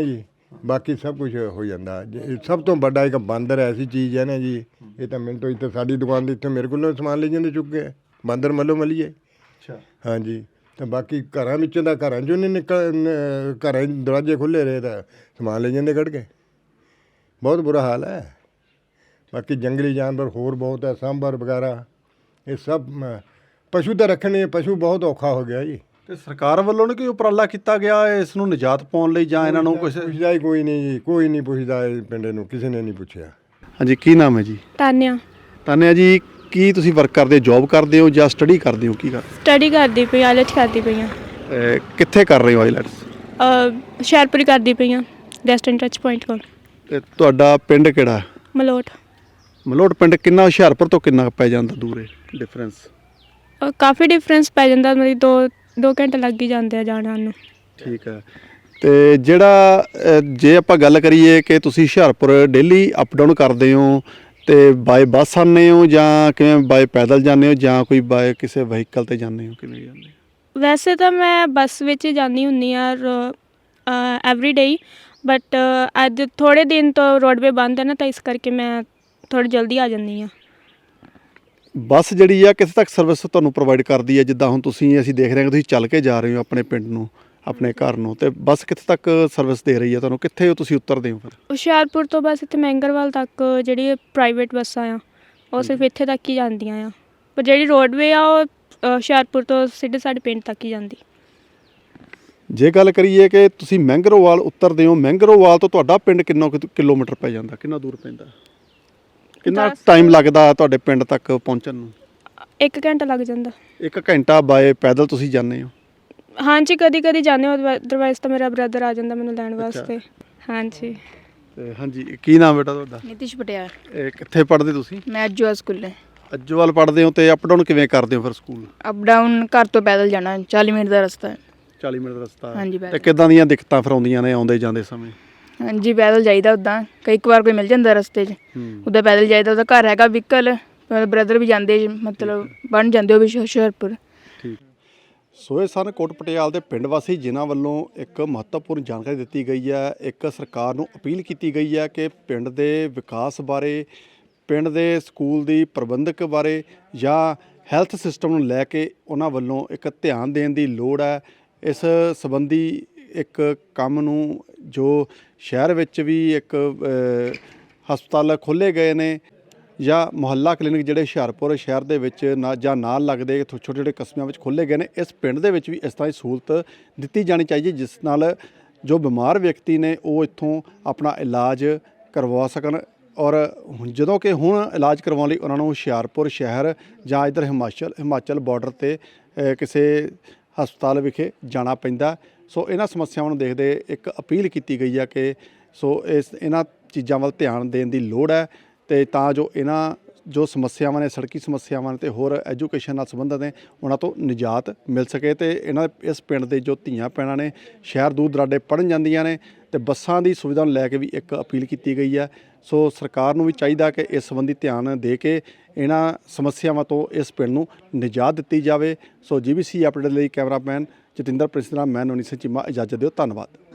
[SPEAKER 11] ਬਾਕੀ ਸਭ ਕੁਝ ਹੋ ਜਾਂਦਾ। ਜੇ ਸਭ ਤੋਂ ਵੱਡਾ ਇੱਕ ਬਾਂਦਰ ਐਸੀ ਚੀਜ਼ ਹੈ ਨਾ ਜੀ, ਇਹ ਤਾਂ ਮੈਨੂੰ ਤੋਂ ਇੱਥੇ ਸਾਡੀ ਦੁਕਾਨ ਦੇ ਇੱਥੇ ਮੇਰੇ ਕੋਲੋਂ ਸਮਾਨ ਲੈ ਜਾਂਦੇ ਚੁੱਕ ਕੇ ਬਾਂਦਰ ਮੱਲੋ ਮਲੀਏ।
[SPEAKER 2] ਅੱਛਾ
[SPEAKER 11] ਹਾਂਜੀ, ਤਾਂ ਬਾਕੀ ਘਰਾਂ ਵਿੱਚੋਂ ਦਾ ਘਰਾਂ 'ਚੋਂ ਨਹੀਂ ਨਿਕਲ ਨ- ਘਰਾਂ 'ਚ ਦਰਵਾਜ਼ੇ ਖੁੱਲ੍ਹੇ ਰਹੇ ਤਾਂ ਸਮਾਨ ਲੈ ਜਾਂਦੇ ਕੱਢ ਕੇ। ਬਹੁਤ ਬੁਰਾ ਹਾਲ ਹੈ। ਬਾਕੀ ਜੰਗਲੀ ਜਾਨਵਰ ਹੋਰ ਬਹੁਤ ਹੈ, ਸਾਂਭਰ ਵਗੈਰਾ ਇਹ ਸਭ ਮ- ਪਸ਼ੂ ਤਾਂ ਰੱਖਣੇ, ਪਸ਼ੂ ਬਹੁਤ ਔਖਾ ਹੋ ਗਿਆ ਜੀ।
[SPEAKER 2] ਤੇ ਸਰਕਾਰ ਵੱਲੋਂ ਨੇ ਕੋਈ ਉਪਰਾਲਾ ਕੀਤਾ ਗਿਆ ਇਸ ਨੂੰ ਨਿਜਾਤ ਪਾਉਣ ਲਈ ਜਾਂ ਇਹਨਾਂ ਨੂੰ ਕੁਝ?
[SPEAKER 11] ਪੁੱਛਦਾ ਹੀ ਕੋਈ ਨਹੀਂ ਜੀ, ਕੋਈ ਨਹੀਂ ਪੁੱਛਦਾ ਇਹ ਪਿੰਡ ਨੂੰ, ਕਿਸੇ ਨੇ ਨਹੀਂ ਪੁੱਛਿਆ।
[SPEAKER 2] ਹਾਂਜੀ, ਕੀ ਨਾਮ ਹੈ ਜੀ?
[SPEAKER 5] ਤਾਨਿਆ
[SPEAKER 2] ਤਾਨਿਆ ਜੀ, ਕੀ ਤੁਸੀਂ ਵਰਕ ਕਰਦੇ ਹੋ, ਜੌਬ ਕਰਦੇ ਹੋ ਜਾਂ ਸਟੱਡੀ ਕਰਦੇ ਹੋ, ਕੀ ਕਰ
[SPEAKER 5] ਸਟੱਡੀ ਕਰਦੀ ਪਈ, ਆਇਲਟ ਕਰਦੀ ਪਈ ਆ।
[SPEAKER 2] ਅਹ ਕਿੱਥੇ ਕਰ ਰਹੇ ਹੋ ਆਈਲੈਟਸ?
[SPEAKER 5] ਹੁਸ਼ਿਆਰਪੁਰ ਕਰਦੀ ਪਈ ਆ, ਵੈਸਟਰਨ ਟੱਚ ਪੁਆਇੰਟ ਕੋਲ।
[SPEAKER 2] ਤੇ ਤੁਹਾਡਾ ਪਿੰਡ ਕਿਹੜਾ?
[SPEAKER 5] ਮਲੋਟ।
[SPEAKER 2] ਮਲੋਟ ਪਿੰਡ ਕਿੰਨਾ ਹੁਸ਼ਿਆਰਪੁਰ ਤੋਂ ਕਿੰਨਾ ਕੁ ਪੈ ਜਾਂਦਾ ਦੂਰ ਹੈ ਡਿਫਰੈਂਸ?
[SPEAKER 5] ਅ, ਕਾਫੀ ਡਿਫਰੈਂਸ ਪੈ ਜਾਂਦਾ, ਮਤਲਬ ਦੋ ਦੋ ਘੰਟੇ ਲੱਗ ਹੀ ਜਾਂਦੇ ਆ ਜਾਣ ਆਉਣ ਨੂੰ।
[SPEAKER 2] ਠੀਕ ਹੈ। ਤੇ ਜਿਹੜਾ ਅਹ, ਜੇ ਆਪਾਂ ਗੱਲ ਕਰੀਏ ਕਿ ਤੁਸੀਂ ਹੁਸ਼ਿਆਰਪੁਰ ਡੇਲੀ ਅਪ ਡਾਊਨ ਕਰਦੇ ਹੋ ਤੇ ਬਾਏ ਬੱਸ ਆਉਂਦੇ ਹੋ ਜਾਂ ਕਿਵੇਂ, ਬਾਏ ਪੈਦਲ ਜਾਂਦੇ ਹੋ ਜਾਂ ਕੋਈ ਬਾਏ ਕਿਸੇ ਵਹੀਕਲ ਤੇ ਜਾਂਦੇ ਹੋ, ਕਿਵੇਂ ਜਾਂਦੇ ਹੋ?
[SPEAKER 5] ਵੈਸੇ ਤਾਂ ਮੈਂ ਬੱਸ ਵਿੱਚ ਹੀ ਜਾਂਦੀ ਹੁੰਦੀ ਆ ਐਵਰੀ ਡੇ, ਬਟ ਅੱਜ ਥੋੜ੍ਹੇ ਦਿਨ ਤੋਂ ਰੋਡਵੇ ਬੰਦ ਹੈ ਨਾ, ਤਾਂ ਇਸ ਕਰਕੇ ਮੈਂ ਥੋੜ੍ਹੀ ਜਲਦੀ ਆ ਜਾਂਦੀ ਹਾਂ।
[SPEAKER 2] ਬੱਸ ਜਿਹੜੀ ਆ ਕਿੱਥੇ ਤੱਕ ਸਰਵਿਸ ਤੁਹਾਨੂੰ ਪ੍ਰੋਵਾਈਡ ਕਰਦੀ ਹੈ? ਜਿੱਦਾਂ ਹੁਣ ਤੁਸੀਂ, ਅਸੀਂ ਦੇਖ ਰਹੇ ਹਾਂ ਕਿ ਤੁਸੀਂ ਚੱਲ ਕੇ ਜਾ ਰਹੇ ਹੋ ਆਪਣੇ ਪਿੰਡ ਨੂੰ, ਆਪਣੇ ਘਰ ਨੂੰ, ਤੇ ਬੱਸ ਕਿੱਥੇ ਤੱਕ ਸਰਵਿਸ ਦੇ ਰਹੀ ਹੈ ਤੁਹਾਨੂੰ? ਕਿੱਥੇ ਹੋ ਤੁਸੀਂ ਉਤਰਦੇ ਹੋ ਫਿਰ?
[SPEAKER 5] ਹੁਸ਼ਿਆਰਪੁਰ ਤੋਂ ਬਸ ਇੱਥੇ ਮਹਿੰਗਰਵਾਲ ਤੱਕ ਜਿਹੜੀ ਪ੍ਰਾਈਵੇਟ ਬੱਸਾਂ ਆ ਉਹ ਸਿਰਫ ਇੱਥੇ ਤੱਕ ਹੀ ਜਾਂਦੀਆਂ ਆ, ਪਰ ਜਿਹੜੀ ਰੋਡਵੇ ਆ ਉਹ ਅ, ਹੁਸ਼ਿਆਰਪੁਰ ਤੋਂ ਸਿੱਧੇ ਸਾਡੇ ਪਿੰਡ ਤੱਕ ਹੀ ਜਾਂਦੀ।
[SPEAKER 2] ਜੇ ਗੱਲ ਕਰੀਏ ਕਿ ਤੁਸੀਂ ਮਹਿੰਗਰੋਵਾਲ ਉਤਰਦੇ ਹੋ, ਮਹਿੰਗਰੋਵਾਲ ਤੋਂ ਤੁਹਾਡਾ ਪਿੰਡ ਕਿੰਨਾ ਕੁ ਕਿਲੋਮੀਟਰ ਪੈ ਜਾਂਦਾ, ਕਿੰਨਾ ਦੂਰ ਪੈਂਦਾ, ਕਿੰਨਾ
[SPEAKER 5] ਦਸ-
[SPEAKER 2] ਟਾਈਮ ਲੱਗਦਾ ਤੁਹਾਡੇ ਪਿੰਡ ਤੱਕ ਪਹੁੰਚਣ ਨੂੰ?
[SPEAKER 5] ਇੱਕ ਘੰਟਾ ਲੱਗ ਜਾਂਦਾ।
[SPEAKER 2] ਇੱਕ ਘੰਟਾ ਬਾਏ ਪੈਦਲ ਤੁਸੀਂ ਜਾਂਦੇ ਹੋ?
[SPEAKER 5] ਹਾਂਜੀ, ਕਦੀ ਕਦੀ ਜਾਂਦੇ ਹੋ, ਅਦਰਵਾਈਜ਼ ਤਾਂ ਮੇਰਾ ਬ੍ਰਦਰ ਆ ਜਾਂਦਾ ਮੈਨੂੰ ਲੈਣ ਵਾਸਤੇ। ਹਾਂਜੀ।
[SPEAKER 2] ਤੇ ਹਾਂਜੀ, ਕੀ ਨਾਮ ਬੇਟਾ ਤੁਹਾਡਾ?
[SPEAKER 3] ਨਿਤਿਸ਼ ਪਟਿਆਲ।
[SPEAKER 2] ਇਹ ਕਿੱਥੇ ਪੜ੍ਹਦੇ ਤੁਸੀਂ?
[SPEAKER 3] ਮੈਂ ਅਜੂਆ ਸਕੂਲੇ।
[SPEAKER 2] ਅੱਜੋਵਾਲ ਪੜ੍ਹਦੇ ਹੋ ਤੇ ਅਪ ਡਾਊਨ ਕਿਵੇਂ ਕਰਦੇ ਹੋ ਫਿਰ ਸਕੂਲ?
[SPEAKER 3] ਅਪ ਡਾਊਨ ਘਰ ਤੋਂ ਪੈਦਲ ਜਾਣਾ, ਚਾਲੀ ਮਿੰਟ ਦਾ ਰਸਤਾ ਹੈ।
[SPEAKER 2] ਚਾਲੀ ਮਿੰਟ ਦਾ ਰਸਤਾ।
[SPEAKER 3] ਹਾਂਜੀ,
[SPEAKER 2] ਤੇ
[SPEAKER 3] ਪੈਦਲ।
[SPEAKER 2] ਕਿੱਦਾਂ ਦੀਆਂ ਦਿੱਕਤਾਂ ਫਿਰ ਆਉਂਦੀਆਂ ਨੇ ਆਉਂਦੇ ਜਾਂਦੇ ਸਮੇਂ?
[SPEAKER 3] ਹਾਂਜੀ, ਪੈਦਲ ਜਾਈਦਾ ਉੱਦਾਂ, ਕਈ ਇੱਕ ਵਾਰ ਕੋਈ ਮਿਲ ਜਾਂਦਾ ਰਸਤੇ 'ਚ,
[SPEAKER 2] ਹੂੰ।
[SPEAKER 3] ਉੱਦਾਂ ਪੈਦਲ ਜਾਈਦਾ। ਉਹਦਾ ਘਰ ਹੈਗਾ ਵਹੀਕਲ, ਬ੍ਰਦਰ ਵੀ ਜਾਂਦੇ, ਮਤਲਬ ਬਣ ਜਾਂਦੇ ਉਹ ਵੀ ਹੁਸ਼ਿਆਰਪੁਰ।
[SPEAKER 2] ਠੀਕ। ਸੋ ਇਹ ਸਨ ਕੋਟ ਪਟਿਆਲ ਦੇ ਪਿੰਡ ਵਾਸੀ ਜਿਨ੍ਹਾਂ ਵੱਲੋਂ ਇੱਕ ਮਹੱਤਵਪੂਰਨ ਜਾਣਕਾਰੀ ਦਿੱਤੀ ਗਈ ਹੈ। ਇੱਕ ਸਰਕਾਰ ਨੂੰ ਅਪੀਲ ਕੀਤੀ ਗਈ ਹੈ ਕਿ ਪਿੰਡ ਦੇ ਵਿਕਾਸ ਬਾਰੇ, ਪਿੰਡ ਦੇ ਸਕੂਲ ਦੀ ਪ੍ਰਬੰਧਕ ਬਾਰੇ ਜਾਂ ਹੈਲਥ ਸਿਸਟਮ ਨੂੰ ਲੈ ਕੇ ਉਹਨਾਂ ਵੱਲੋਂ ਇੱਕ ਧਿਆਨ ਦੇਣ ਦੀ ਲੋੜ ਹੈ। ਇਸ ਸੰਬੰਧੀ ਇੱਕ ਕੰਮ ਨੂੰ ਜੋ ਸ਼ਹਿਰ ਵਿੱਚ ਵੀ ਇੱਕ ਅ, ਹਸਪਤਾਲ ਖੋਲ੍ਹੇ ਗਏ ਨੇ ਜਾਂ ਮੁਹੱਲਾ ਕਲੀਨਿਕ ਜਿਹੜੇ ਹੁਸ਼ਿਆਰਪੁਰ ਸ਼ਹਿਰ ਦੇ ਵਿੱਚ ਨਾ ਜਾਂ ਨਾਲ ਲੱਗਦੇ ਛੋਟੇ ਛੋਟੇ ਕਸਬਿਆਂ ਵਿੱਚ ਖੋਲ੍ਹੇ ਗਏ ਨੇ, ਇਸ ਪਿੰਡ ਦੇ ਵਿੱਚ ਵੀ ਇਸ ਤਰ੍ਹਾਂ ਦੀ ਸਹੂਲਤ ਦਿੱਤੀ ਜਾਣੀ ਚਾਹੀਦੀ, ਜਿਸ ਨਾਲ ਜੋ ਬਿਮਾਰ ਵਿਅਕਤੀ ਨੇ ਉਹ ਇੱਥੋਂ ਆਪਣਾ ਇਲਾਜ ਕਰਵਾ ਸਕਣ। ਔਰ ਹੁਣ ਜਦੋਂ ਕਿ ਹੁਣ ਇਲਾਜ ਕਰਵਾਉਣ ਲਈ ਉਹਨਾਂ ਨੂੰ ਹੁਸ਼ਿਆਰਪੁਰ ਸ਼ਹਿਰ ਜਾਂ ਇੱਧਰ ਹਿਮਾਚਲ ਹਿਮਾਚਲ ਬਾਰਡਰ 'ਤੇ ਅ, ਕਿਸੇ ਹਸਪਤਾਲ ਵਿਖੇ ਜਾਣਾ ਪੈਂਦਾ। ਸੋ ਇਹਨਾਂ ਸਮੱਸਿਆਵਾਂ ਨੂੰ ਦੇਖਦੇ ਇੱਕ ਅਪੀਲ ਕੀਤੀ ਗਈ ਹੈ ਕਿ ਸੋ ਇਸ ਇਹਨਾਂ ਚੀਜ਼ਾਂ ਵੱਲ ਧਿਆਨ ਦੇਣ ਦੀ ਲੋੜ ਹੈ, ਤੇ ਤਾਂ ਜੋ ਇਹਨਾਂ ਜੋ ਸਮੱਸਿਆਵਾਂ ਨੇ, ਸੜਕੀ ਸਮੱਸਿਆਵਾਂ ਨੇ ਤੇ ਹੋਰ ਐਜੂਕੇਸ਼ਨ ਨਾਲ ਸੰਬੰਧਿਤ ਨੇ, ਉਹਨਾਂ ਤੋਂ ਨਿਜਾਤ ਮਿਲ ਸਕੇ। ਤੇ ਇਹਨਾਂ ਇਸ ਪਿੰਡ ਦੇ ਜੋ ਧੀਆਂ ਭੈਣਾਂ ਨੇ ਸ਼ਹਿਰ ਦੂਰ ਦਰਾਡੇ ਪੜ੍ਹਨ ਜਾਂਦੀਆਂ ਨੇ ਤੇ ਬੱਸਾਂ ਦੀ ਸੁਵਿਧਾ ਨੂੰ ਲੈ ਕੇ ਵੀ ਇੱਕ ਅਪੀਲ ਕੀਤੀ ਗਈ ਹੈ। ਸੋ ਸਰਕਾਰ ਨੂੰ ਵੀ ਚਾਹੀਦਾ ਕਿ ਇਸ ਸੰਬੰਧੀ ਧਿਆਨ ਦੇ ਕੇ ਇਹਨਾਂ ਸਮੱਸਿਆਵਾਂ ਤੋਂ ਇਸ ਪਿੰਡ ਨੂੰ ਨਿਜਾਤ ਦਿੱਤੀ ਜਾਵੇ। ਸੋ ਜੀਬੀਸੀ ਅਪਡੇਟ ਲਈ ਕੈਮਰਾਮੈਨ ਜਤਿੰਦਰ ਪ੍ਰਿੰਸ ਨਾਲ ਮੈਂ ਨਵਨੀਤ ਸਿੰਘ ਚੀਮਾ ਇਜਾਜ਼ਤ ਦਿਓ। ਧੰਨਵਾਦ।